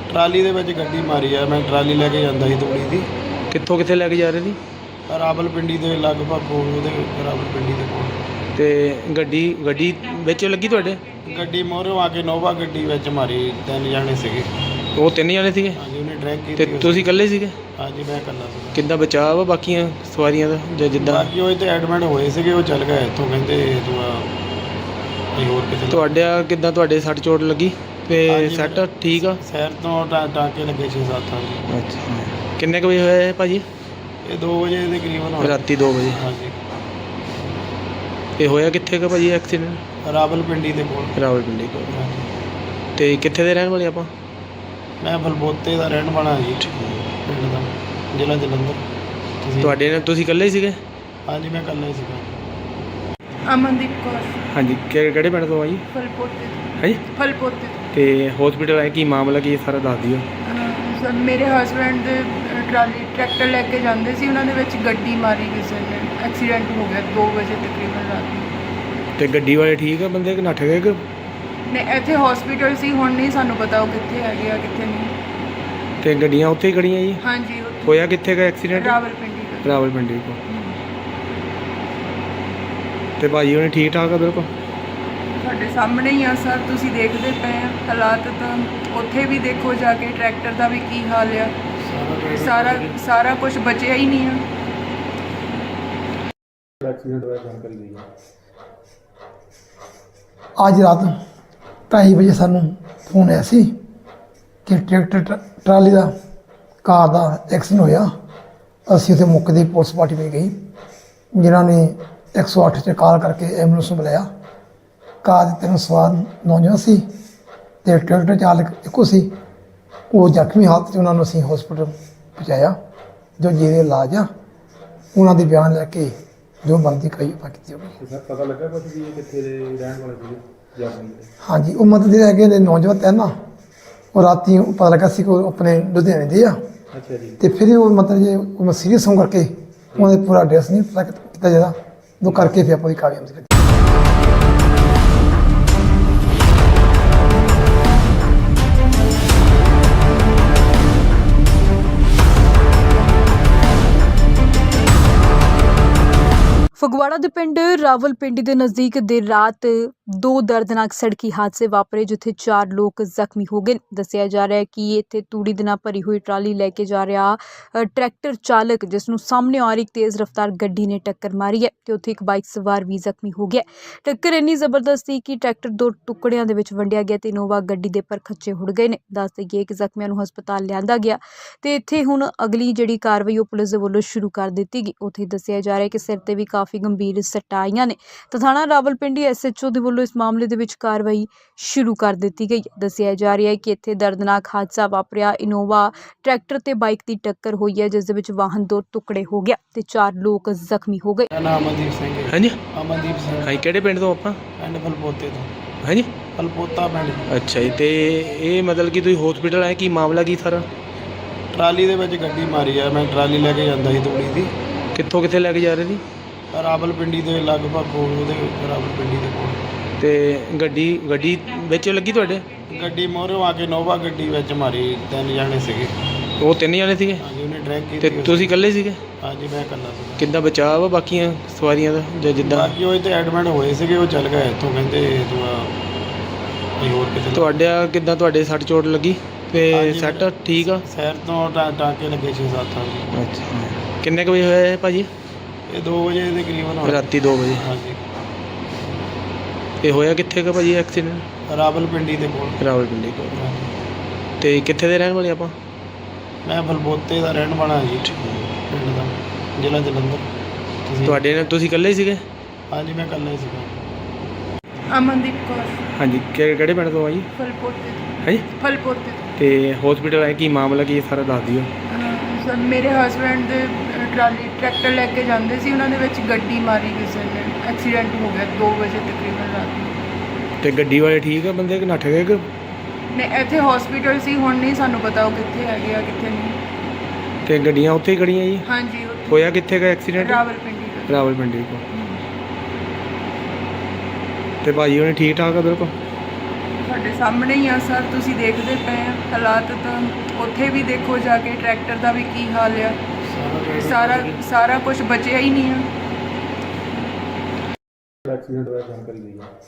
[SPEAKER 2] ਟਰਾਲੀ ਦੇ ਵਿੱਚ ਗੱਡੀ ਮਾਰੀ ਆ। ਮੈਂ ਟਰਾਲੀ ਲੈ ਕੇ ਜਾਂਦਾ ਸੀ ਤੂੜੀ ਦੀ,
[SPEAKER 3] ਕਿੱਥੋਂ ਕਿੱਥੇ ਲੈ ਕੇ ਜਾ ਰਹੇ ਸੀ?
[SPEAKER 2] ਰਾਵਲਪਿੰਡੀ ਦੇ ਲਗਭਗ ਕੋਲ, ਉਹਦੇ ਰਾਵਲਪਿੰਡੀ ਦੇ ਕੋਲ।
[SPEAKER 3] ਤੇ ਗੱਡੀ ਗੱਡੀ ਵਿੱਚ ਲੱਗੀ ਤੁਹਾਡੇ?
[SPEAKER 2] ਗੱਡੀ ਮੋਹਰੋਂ ਆ ਕੇ ਨੋਵਾ ਗੱਡੀ ਵਿੱਚ ਮਾਰੀ। ਤਿੰਨ ਜਾਣੇ ਸੀਗੇ।
[SPEAKER 3] ਉਹ ਤਿੰਨ ਜਣੇ ਸੀਗੇ
[SPEAKER 2] ਹਾਂਜੀ, ਉਹਨੇ ਡਰੈਗ
[SPEAKER 3] ਤੇ
[SPEAKER 2] ਕੀਤੀ।
[SPEAKER 3] ਤੁਸੀਂ ਇਕੱਲੇ ਸੀਗੇ?
[SPEAKER 2] ਹਾਂਜੀ, ਮੈਂ ਇਕੱਲਾ ਸੀ।
[SPEAKER 3] ਕਿੱਦਾਂ ਬਚਾਅ ਵਾ ਬਾਕੀਆਂ ਸਵਾਰੀਆਂ ਦਾ ਜਾਂ ਜਿੱਦਾਂ?
[SPEAKER 2] ਬਾਕੀ ਉਹ ਇੱਥੇ ਐਡਮਿਟ ਹੋਏ ਸੀਗੇ, ਉਹ ਚੱਲ ਗਏ ਇੱਥੋਂ, ਕਹਿੰਦੇ ਤੂੰ ਆ ਕੋਈ ਹੋਰ ਕਿਤੇ।
[SPEAKER 3] ਤੁਹਾਡਾ ਕਿੱਦਾਂ, ਤੁਹਾਡੇ ਸੱਟ ਚੋਟ ਲੱਗੀ ਤੇ
[SPEAKER 2] ਹਾਂਜੀ,
[SPEAKER 3] ਸੱਟ ਠੀਕ ਆ?
[SPEAKER 2] ਸ਼ਹਿਰ ਤੋਂ ਟਾ ਟਾਂਕੇ ਲੱਗੇ ਛੇ ਸੱਤ ਹਾਂਜੀ।
[SPEAKER 3] ਅੱਛਾ, ਕਿੰਨੇ ਕੁ ਵਜੇ ਹੋਇਆ ਇਹ ਭਾਜੀ?
[SPEAKER 2] ਇਹ ਦੋ ਵਜੇ ਦੇ ਕਰੀਬਨ ਹੋਇਆ।
[SPEAKER 3] ਰਾਤੀ ਦੋ ਵਜੇ।
[SPEAKER 2] ਹਾਂਜੀ,
[SPEAKER 3] ਇਹ ਹੋਇਆ ਕਿੱਥੇ ਕੁ ਭਾਜੀ ਐਕਸੀਡੈਂਟ?
[SPEAKER 2] ਰਾਵਲਪਿੰਡੀ ਦੇ ਕੋਲ।
[SPEAKER 3] ਰਾਵਲਪਿੰਡੀ ਕੋਲ।
[SPEAKER 2] ਹਾਂਜੀ।
[SPEAKER 3] ਤੇ ਕਿੱਥੇ ਦੇ ਰਹਿਣ ਵਾਲੇ ਆਪਾਂ?
[SPEAKER 2] ਮੈਂ ਬਲਬੋਤੇ ਦਾ ਰਹਿਣ ਵਾਲਾ ਜੀ, ਪਿੰਡ ਦਾ, ਜ਼ਿਲ੍ਹਾ ਜਲੰਧਰ। ਤੁਸੀਂ?
[SPEAKER 3] ਤੁਹਾਡੇ ਨਾਲ ਤੁਸੀਂ ਇਕੱਲੇ ਹੀ ਸੀਗੇ?
[SPEAKER 2] ਹਾਂਜੀ, ਮੈਂ ਇਕੱਲਾ ਹੀ ਸੀਗਾ।
[SPEAKER 4] ਅਮਨਦੀਪ ਕੌਰ
[SPEAKER 3] ਹਾਂਜੀ, ਕਿ- ਕਿਹੜੇ ਪਿੰਡ ਤੋਂ ਆ ਜੀ?
[SPEAKER 4] ਫਲਪੋਤੇ ਤੋਂ-
[SPEAKER 3] ਹਾਂਜੀ।
[SPEAKER 4] ਫਲਪੋਤੇ ਤੋਂ।
[SPEAKER 3] ਤੇ ਹਸਪੀਟਲ ਆਏ, ਕੀ ਮਾਮਲਾ ਕੀ ਹੈ ਸਾਰਾ ਦੱਸ ਦਿਓ।
[SPEAKER 4] ਅਹ ਸਰ ਮੇਰੇ ਹਸਬੈਂਡ ਦੇ ਅਹ, ਟਰਾਲੀ ਟਰੈਕਟਰ ਲੈ ਕੇ ਜਾਂਦੇ ਸੀ, ਉਹਨਾਂ ਦੇ ਵਿੱਚ ਗੱਡੀ ਮਾਰੀ ਕਿਸੇ ਨੇ। ਐਕਸੀਡੈਂਟ ਹੋ ਗਿਆ ਦੋ ਵਜੇ ਤਕਰੀਬਨ ਰਾਤ ਨੂੰ।
[SPEAKER 3] ਤੇ ਗੱਡੀ ਵਾਲੇ ਠੀਕ ਆ ਬੰਦੇ ਕਿ ਨੱਠ ਗਏ ਕਿ?
[SPEAKER 4] ਨੇ ਇੱਥੇ ਹਸਪੀਟਲ ਸੀ, ਹੁਣ ਨਹੀਂ ਸਾਨੂੰ ਪਤਾ ਉਹ ਕਿੱਥੇ ਹੈਗੇ ਆ ਕਿੱਥੇ ਨਹੀਂ।
[SPEAKER 3] ਤੇ ਗੱਡੀਆਂ ਉੱਥੇ ਹੀ ਖੜੀਆਂ ਜੀ?
[SPEAKER 4] ਹਾਂਜੀ, ਉੱਥੇ
[SPEAKER 3] ਹੋਇਆ ਕਿੱਥੇ ਦਾ ਐਕਸੀਡੈਂਟ?
[SPEAKER 4] ਰਾਵਲਪਿੰਡੀ ਦਾ।
[SPEAKER 3] ਰਾਵਲਪਿੰਡੀ ਕੋਲ। ਤੇ ਭਾਜੀ ਉਹਨੇ ਠੀਕ ਠਾਕ ਆ ਬਿਲਕੁਲ?
[SPEAKER 4] ਤੁਹਾਡੇ ਸਾਹਮਣੇ ਹੀ ਆ ਸਰ, ਤੁਸੀਂ ਦੇਖਦੇ ਪਏ ਆ ਹਾਲਾਤ। ਤਾਂ ਉੱਥੇ ਵੀ ਦੇਖੋ ਜਾ ਕੇ ਟਰੈਕਟਰ ਦਾ ਵੀ ਕੀ ਹਾਲ ਆ। ਸਾਰਾ ਸਾਰਾ ਕੁਝ ਬਚਿਆ ਹੀ ਨਹੀਂ ਆ।
[SPEAKER 6] ਐਕਸੀਡੈਂਟ ਹੋਇਆ ਜਾਣਕਾਰੀ ਨਹੀਂ ਹੈ।
[SPEAKER 5] ਅੱਜ ਰਾਤ ਢਾਈ ਵਜੇ ਸਾਨੂੰ ਫੋਨ ਆਇਆ ਸੀ ਕਿ ਟਰੈਕਟਰ ਟ- ਟਰਾਲੀ ਦਾ ਕਾਰ ਦਾ ਐਕਸੀਡੈਂਟ ਹੋਇਆ। ਅਸੀਂ ਉੱਥੇ ਮੌਕੇ ਦੀ ਪੁਲਿਸ ਪਾਰਟੀ ਵਿੱਚ ਗਈ, ਜਿਨ੍ਹਾਂ ਨੇ ਇੱਕ ਸੌ ਅੱਠ 'ਤੇ ਕਾਲ ਕਰਕੇ ਐਂਬੂਲੈਂਸ ਨੂੰ ਬੁਲਾਇਆ। ਕਾਰ ਦੇ ਤਿੰਨ ਸਵਾਰ ਨੌਜਵਾਨ ਸੀ ਅਤੇ ਟਰੈਕਟਰ ਚਾਲਕ ਇੱਕੋ ਸੀ। ਉਹ ਜ਼ਖਮੀ ਹਾਲਤ 'ਚ ਉਹਨਾਂ ਨੂੰ ਅਸੀਂ ਹਸਪੀਟਲ ਪਹੁੰਚਾਇਆ, ਜੋ ਜਿਹਦੇ ਇਲਾਜ ਆ। ਉਹਨਾਂ ਦੇ ਬਿਆਨ ਲੈ ਕੇ ਜੋ ਬਣਦੀ ਕਾਰਵਾਈ ਆਪਾਂ ਕੀਤੀ ਹੋਵੇ।
[SPEAKER 6] ਤੇ ਸਰ ਪਤਾ ਲੱਗਾ ਕੁਝ ਵੀ ਇਹ ਕਿੱਥੇ ਦੇ ਰਹਿਣ ਵਾਲੇ ਸੀਗੇ ਜਾਪਾਨੀ ਦੇ?
[SPEAKER 5] ਹਾਂਜੀ, ਉਹ ਮਤਲਬ ਜਿਹੜੇ ਹੈਗੇ ਨੇ ਨੌਜਵਾਨ ਤਿੰਨ ਆ, ਉਹ ਰਾਤੀ ਪਤਾ ਲੱਗਾ ਸੀ ਕਿ ਉਹ ਆਪਣੇ ਲੁਧਿਆਣੇ ਦੇ ਆ।
[SPEAKER 6] ਅੱਛਾ ਜੀ।
[SPEAKER 5] ਤੇ ਫਿਰ ਉਹ ਮਤਲਬ ਜੇ ਉਹ ਸੀਰੀਅਸ ਹੋਣ ਕਰਕੇ ਉਹਨਾਂ ਦੇ ਪੂਰਾ ਐਡਰੈਸ ਨਹੀਂ ਪਤਾ ਕੀਤਾ ਜਾਂਦਾ, ਉਹ ਕਰਕੇ ਫਿਰ ਆਪਾਂ ਦੀ ਕਾਰਵਾਈ ਕੀਤੀ।
[SPEAKER 1] ਫਗਵਾੜਾ ਦੇ ਪਿੰਡ ਰਾਵਲਪਿੰਡੀ ਦੇ ਨਜ਼ਦੀਕ ਦੇਰ ਰਾਤ ਦੋ ਦਰਦਨਾਕ ਸੜਕੀ ਹਾਦਸੇ ਵਾਪਰੇ, ਜਿੱਥੇ ਚਾਰ ਲੋਕ ਜ਼ਖਮੀ ਹੋ ਗਏ। ਦੱਸਿਆ ਜਾ ਰਿਹਾ ਹੈ ਕਿ ਇੱਥੇ ਤੂੜੀ ਦੇ ਨਾਲ ਭਰੀ ਹੋਈ ਟਰਾਲੀ ਲੈ ਕੇ ਜਾ ਰਿਹਾ ਅ, ਟਰੈਕਟਰ ਚਾਲਕ, ਜਿਸ ਨੂੰ ਸਾਹਮਣੇ ਆ ਰਹੀ ਇੱਕ ਤੇਜ਼ ਰਫ਼ਤਾਰ ਗੱਡੀ ਨੇ ਟੱਕਰ ਮਾਰੀ ਹੈ ਤੇ ਉੱਥੇ ਇੱਕ ਬਾਈਕ ਸਵਾਰ ਵੀ ਜ਼ਖਮੀ ਹੋ ਗਿਆ। ਟੱਕਰ ਇੰਨੀ ਜ਼ਬਰਦਸਤ ਸੀ ਕਿ ਟਰੈਕਟਰ ਦੋ ਟੁਕੜਿਆਂ ਦੇ ਵਿੱਚ ਵੰਡਿਆ ਗਿਆ ਤੇ ਇਨੋਵਾ ਗੱਡੀ ਦੇ ਪਰ ਖੱਚੇ ਹੁੜ ਗਏ ਨੇ। ਦੱਸ ਦੇਈਏ ਕਿ ਜ਼ਖਮੀਆਂ ਨੂੰ ਹਸਪਤਾਲ ਲਿਆਂਦਾ ਗਿਆ ਤੇ ਇੱਥੇ ਹੁਣ ਅਗਲੀ ਜਿਹੜੀ ਕਾਰਵਾਈ ਉਹ ਪੁਲਿਸ ਦੇ ਵੱਲੋਂ ਸ਼ੁਰੂ ਕਰ ਦਿੱਤੀ ਗਈ। ਉੱਥੇ ਦੱਸਿਆ ਜਾ ਰਿਹਾ ਹੈ ਕਿ ਸਿਰ ਤੇ ਵੀ ਕਾਫੀ ਗੰਭੀਰ ਸੱਟਾਂ ਆਈਆਂ ਨੇ ਤਾਂ ਥਾਣਾ ਰਾਵਲਪਿੰਡੀ ਐਸ ਐਚ ਓ ਦੇ ਵੱਲੋਂ ਇਸ ਮਾਮਲੇ ਦੇ ਵਿੱਚ ਕਾਰਵਾਈ ਸ਼ੁਰੂ ਕਰ ਦਿੱਤੀ ਗਈ। ਦੱਸਿਆ ਜਾ ਰਿਹਾ ਹੈ ਕਿ ਇੱਥੇ ਦਰਦਨਾਕ ਹਾਦਸਾ ਵਾਪਰਿਆ। ਇਨੋਵਾ ਟਰੈਕਟਰ ਤੇ ਬਾਈਕ ਦੀ ਟੱਕਰ ਹੋਈ ਹੈ, ਜਿਸ ਦੇ ਵਿੱਚ ਵਾਹਨ ਦੋ ਟੁਕੜੇ ਹੋ ਗਿਆ ਤੇ ਚਾਰ ਲੋਕ ਜ਼ਖਮੀ ਹੋ ਗਏ।
[SPEAKER 2] ਮੇਰਾ ਨਾਮ ਅਮਨਦੀਪ ਸਿੰਘ ਹੈ।
[SPEAKER 3] ਹਾਂਜੀ।
[SPEAKER 2] ਅਮਨਦੀਪ ਸਿੰਘ,
[SPEAKER 3] ਹਾਂਜੀ, ਕਿਹੜੇ ਪਿੰਡ ਤੋਂ ਆਪਾਂ?
[SPEAKER 2] ਪਿੰਡ ਫਲਪੋਤੇ ਤੋਂ।
[SPEAKER 3] ਹਾਂਜੀ।
[SPEAKER 2] ਫਲਪੋਤਾ ਪਿੰਡ।
[SPEAKER 3] ਅੱਛਾ ਜੀ, ਤੇ ਇਹ ਮਤਲਬ ਕਿ ਤੁਸੀਂ ਹਸਪੀਟਲ ਆਏ, ਕੀ ਮਾਮਲਾ ਕੀ ਸਾਰਾ?
[SPEAKER 2] ਟਰਾਲੀ ਦੇ ਵਿੱਚ ਗੱਡੀ ਮਾਰੀ ਆ। ਮੈਂ ਟਰਾਲੀ ਲੈ ਕੇ ਜਾਂਦਾ ਸੀ ਤੂੜੀ ਦੀ,
[SPEAKER 3] ਕਿੱਥੋਂ ਕਿੱਥੇ ਲੈ ਕੇ ਜਾ ਰਹੇ ਸੀ?
[SPEAKER 2] ਰਾਵਲਪਿੰਡੀ ਦੇ ਲਗਭਗ ਕੋਲ, ਉਹਦੇ ਰਾਵਲਪਿੰਡੀ ਦੇ ਕੋਲ।
[SPEAKER 3] ਤੇ ਗੱਡੀ ਗੱਡੀ ਵਿੱਚ ਲੱਗੀ ਤੁਹਾਡੇ?
[SPEAKER 2] ਗੱਡੀ ਮੋਹਰੋਂ ਆ ਕੇ ਨੋਵਾ ਗੱਡੀ ਵਿੱਚ ਮਾਰੀ। ਤਿੰਨ ਜਾਣੇ ਸੀਗੇ।
[SPEAKER 3] ਉਹ ਤਿੰਨ ਜਣੇ ਸੀਗੇ?
[SPEAKER 2] ਹਾਂਜੀ, ਉਹਨੇ ਡਰੈਗ
[SPEAKER 3] ਤੇ
[SPEAKER 2] ਕੀਤੀ।
[SPEAKER 3] ਤੁਸੀਂ ਇਕੱਲੇ ਸੀਗੇ?
[SPEAKER 2] ਹਾਂਜੀ, ਮੈਂ ਇਕੱਲਾ ਸੀ।
[SPEAKER 3] ਕਿੱਦਾਂ ਬਚਾਅ ਵਾ ਬਾਕੀਆਂ ਸਵਾਰੀਆਂ ਦਾ ਜਾਂ ਜਿੱਦਾਂ?
[SPEAKER 2] ਬਾਕੀ ਉਹ ਇੱਥੇ ਐਡਮਿਟ ਹੋਏ ਸੀਗੇ, ਉਹ ਚੱਲ ਗਏ ਇੱਥੋਂ, ਕਹਿੰਦੇ ਤੂੰ ਆ ਕੋਈ ਹੋਰ ਕਿਤੇ।
[SPEAKER 3] ਤੁਹਾਡਾ ਕਿੱਦਾਂ, ਤੁਹਾਡੇ ਸੱਟ ਚੋਟ ਲੱਗੀ ਤੇ
[SPEAKER 2] ਹਾਂਜੀ,
[SPEAKER 3] ਸੱਟ ਠੀਕ ਆ?
[SPEAKER 2] ਸ਼ਹਿਰ ਤੋਂ ਟਾ ਟਾਂਕੇ ਲੱਗੇ ਛੇ ਸੱਤ ਹਾਂਜੀ।
[SPEAKER 3] ਅੱਛਾ, ਕਿੰਨੇ ਕੁ ਵਜੇ ਹੋਇਆ ਇਹ ਭਾਜੀ?
[SPEAKER 2] ਇਹ ਦੋ ਵਜੇ ਦੇ ਕਰੀਬਨ ਹੋਇਆ।
[SPEAKER 3] ਰਾਤੀ ਦੋ ਵਜੇ।
[SPEAKER 2] ਹਾਂਜੀ,
[SPEAKER 3] ਇਹ ਹੋਇਆ ਕਿੱਥੇ ਕੁ ਭਾਜੀ ਐਕਸੀਡੈਂਟ?
[SPEAKER 2] ਰਾਵਲਪਿੰਡੀ ਦੇ ਕੋਲ।
[SPEAKER 3] ਰਾਵਲਪਿੰਡੀ ਕੋਲ।
[SPEAKER 2] ਹਾਂਜੀ।
[SPEAKER 3] ਤੇ ਕਿੱਥੇ ਦੇ ਰਹਿਣ ਵਾਲੇ ਆਪਾਂ?
[SPEAKER 2] ਮੈਂ ਬਲਬੋਤੇ ਦਾ ਰਹਿਣ ਵਾਲਾ ਜੀ, ਪਿੰਡ ਦਾ, ਜ਼ਿਲ੍ਹਾ ਜਲੰਧਰ। ਤੁਸੀਂ?
[SPEAKER 3] ਤੁਹਾਡੇ ਨਾਲ ਤੁਸੀਂ ਇਕੱਲੇ ਹੀ ਸੀਗੇ?
[SPEAKER 2] ਹਾਂਜੀ, ਮੈਂ ਇਕੱਲਾ ਹੀ ਸੀਗਾ।
[SPEAKER 4] ਅਮਨਦੀਪ ਕੌਰ
[SPEAKER 3] ਹਾਂਜੀ, ਕਿ- ਕਿਹੜੇ ਪਿੰਡ ਤੋਂ ਆ ਜੀ?
[SPEAKER 4] ਫਲਪੋਤੇ ਤੋਂ-
[SPEAKER 3] ਹਾਂਜੀ।
[SPEAKER 4] ਫਲਪੋਤੇ ਤੋਂ।
[SPEAKER 3] ਤੇ ਹਸਪੀਟਲ ਆਏ, ਕੀ ਮਾਮਲਾ ਕੀ ਹੈ ਸਾਰਾ ਦੱਸ ਦਿਓ।
[SPEAKER 4] ਅਹ ਸਰ ਮੇਰੇ ਹਸਬੈਂਡ ਦੇ ਅਹ, ਟਰਾਲੀ ਟਰੈਕਟਰ ਲੈ ਕੇ ਜਾਂਦੇ ਸੀ, ਉਹਨਾਂ ਦੇ ਵਿੱਚ ਗੱਡੀ ਮਾਰੀ ਕਿਸੇ ਨੇ। ਐਕਸੀਡੈਂਟ ਹੋ ਗਿਆ ਦੋ ਵਜੇ ਤਕਰੀਬਨ ਰਾਤ ਨੂੰ।
[SPEAKER 3] ਤੇ ਗੱਡੀ ਵਾਲੇ ਠੀਕ ਆ ਬੰਦੇ ਕਿ ਨੱਠ ਗਏ ਕਿ?
[SPEAKER 4] ਨੇ ਇੱਥੇ ਹਸਪੀਟਲ ਸੀ, ਹੁਣ ਨਹੀਂ ਸਾਨੂੰ ਪਤਾ ਉਹ ਕਿੱਥੇ ਹੈਗੇ ਆ ਕਿੱਥੇ ਨਹੀਂ।
[SPEAKER 3] ਤੇ ਗੱਡੀਆਂ ਉੱਥੇ ਹੀ ਖੜੀਆਂ ਜੀ?
[SPEAKER 4] ਹਾਂਜੀ, ਉੱਥੇ
[SPEAKER 3] ਹੋਇਆ ਕਿੱਥੇ ਦਾ ਐਕਸੀਡੈਂਟ?
[SPEAKER 4] ਰਾਵਲਪਿੰਡੀ ਦਾ।
[SPEAKER 3] ਰਾਵਲਪਿੰਡੀ ਕੋਲ। ਤੇ ਭਾਜੀ ਉਹਨੇ ਠੀਕ ਠਾਕ ਆ ਬਿਲਕੁਲ?
[SPEAKER 4] ਤੁਹਾਡੇ ਸਾਹਮਣੇ ਹੀ ਆ ਸਰ, ਤੁਸੀਂ ਦੇਖਦੇ ਪਏ ਆ ਹਾਲਾਤ ਤਾਂ ਉੱਥੇ ਵੀ ਦੇਖੋ ਜਾ ਕੇ ਟਰੈਕਟਰ ਦਾ ਵੀ ਕੀ ਹਾਲ ਆ। ਸਾਰਾ ਸਾਰਾ ਕੁਝ ਬਚਿਆ ਹੀ ਨਹੀਂ ਆ।
[SPEAKER 6] ਐਕਸੀਡੈਂਟ ਹੋਇਆ ਜਾਣਕਾਰੀ ਲਈ ਹੈ।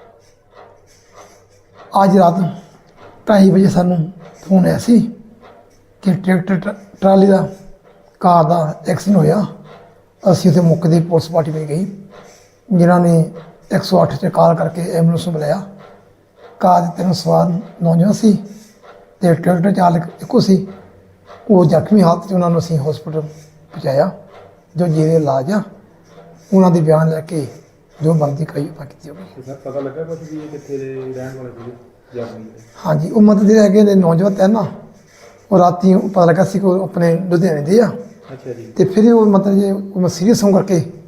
[SPEAKER 5] ਅੱਜ ਰਾਤ ਢਾਈ ਵਜੇ ਸਾਨੂੰ ਫੋਨ ਆਇਆ ਸੀ ਕਿ ਟਰੈਕਟਰ ਟ- ਟਰਾਲੀ ਦਾ ਕਾਰ ਦਾ ਐਕਸੀਡੈਂਟ ਹੋਇਆ। ਅਸੀਂ ਉੱਥੇ ਮੌਕੇ 'ਤੇ ਪੁਲਿਸ ਪਾਰਟੀ ਵਿੱਚ ਗਈ, ਜਿਨ੍ਹਾਂ ਨੇ ਇੱਕ ਸੌ ਅੱਠ 'ਤੇ ਕਾਲ ਕਰਕੇ ਐਂਬੂਲੈਂਸ ਨੂੰ ਬੁਲਾਇਆ। ਕਾਰ ਦੇ ਤਿੰਨ ਸਵਾਰ ਨੌਜਵਾਨ ਸੀ ਅਤੇ ਟਰੈਕਟਰ ਚਾਲਕ ਇੱਕੋ ਸੀ। ਉਹ ਜ਼ਖਮੀ ਹਾਲਤ 'ਚ ਉਹਨਾਂ ਨੂੰ ਅਸੀਂ ਹਸਪੀਟਲ ਪਹੁੰਚਾਇਆ, ਜੋ ਜਿਹਦੇ ਇਲਾਜ ਆ। ਉਹਨਾਂ ਦੇ ਬਿਆਨ ਲੈ ਕੇ ਜੋ ਬਣਦੀ ਕਾਰਵਾਈ ਆਪਾਂ ਕੀਤੀ ਜਾਊਗੀ।
[SPEAKER 6] ਤੇ ਸਰ ਪਤਾ ਲੱਗਾ ਕੁਝ ਵੀ ਇਹ ਕਿੱਥੇ ਦੇ ਰਹਿਣ ਵਾਲੇ ਸੀਗੇ ਜਰਮਨੀ ਦੇ?
[SPEAKER 5] ਹਾਂਜੀ, ਉਹ ਮਤਲਬ ਜਿਹੜੇ ਹੈਗੇ ਨੇ ਨੌਜਵਾਨ ਤੈਨ ਨਾ, ਉਹ ਰਾਤੀ ਪਤਾ ਲੱਗਾ ਸੀ ਕਿ ਉਹ ਆਪਣੇ ਲੁਧਿਆਣੇ ਦੇ ਆ।
[SPEAKER 6] ਅੱਛਾ ਜੀ।
[SPEAKER 5] ਤੇ ਫਿਰ ਉਹ ਮਤਲਬ ਜੇ ਉਹ ਸੀਰੀਅਸ ਹੋਣ ਕਰਕੇ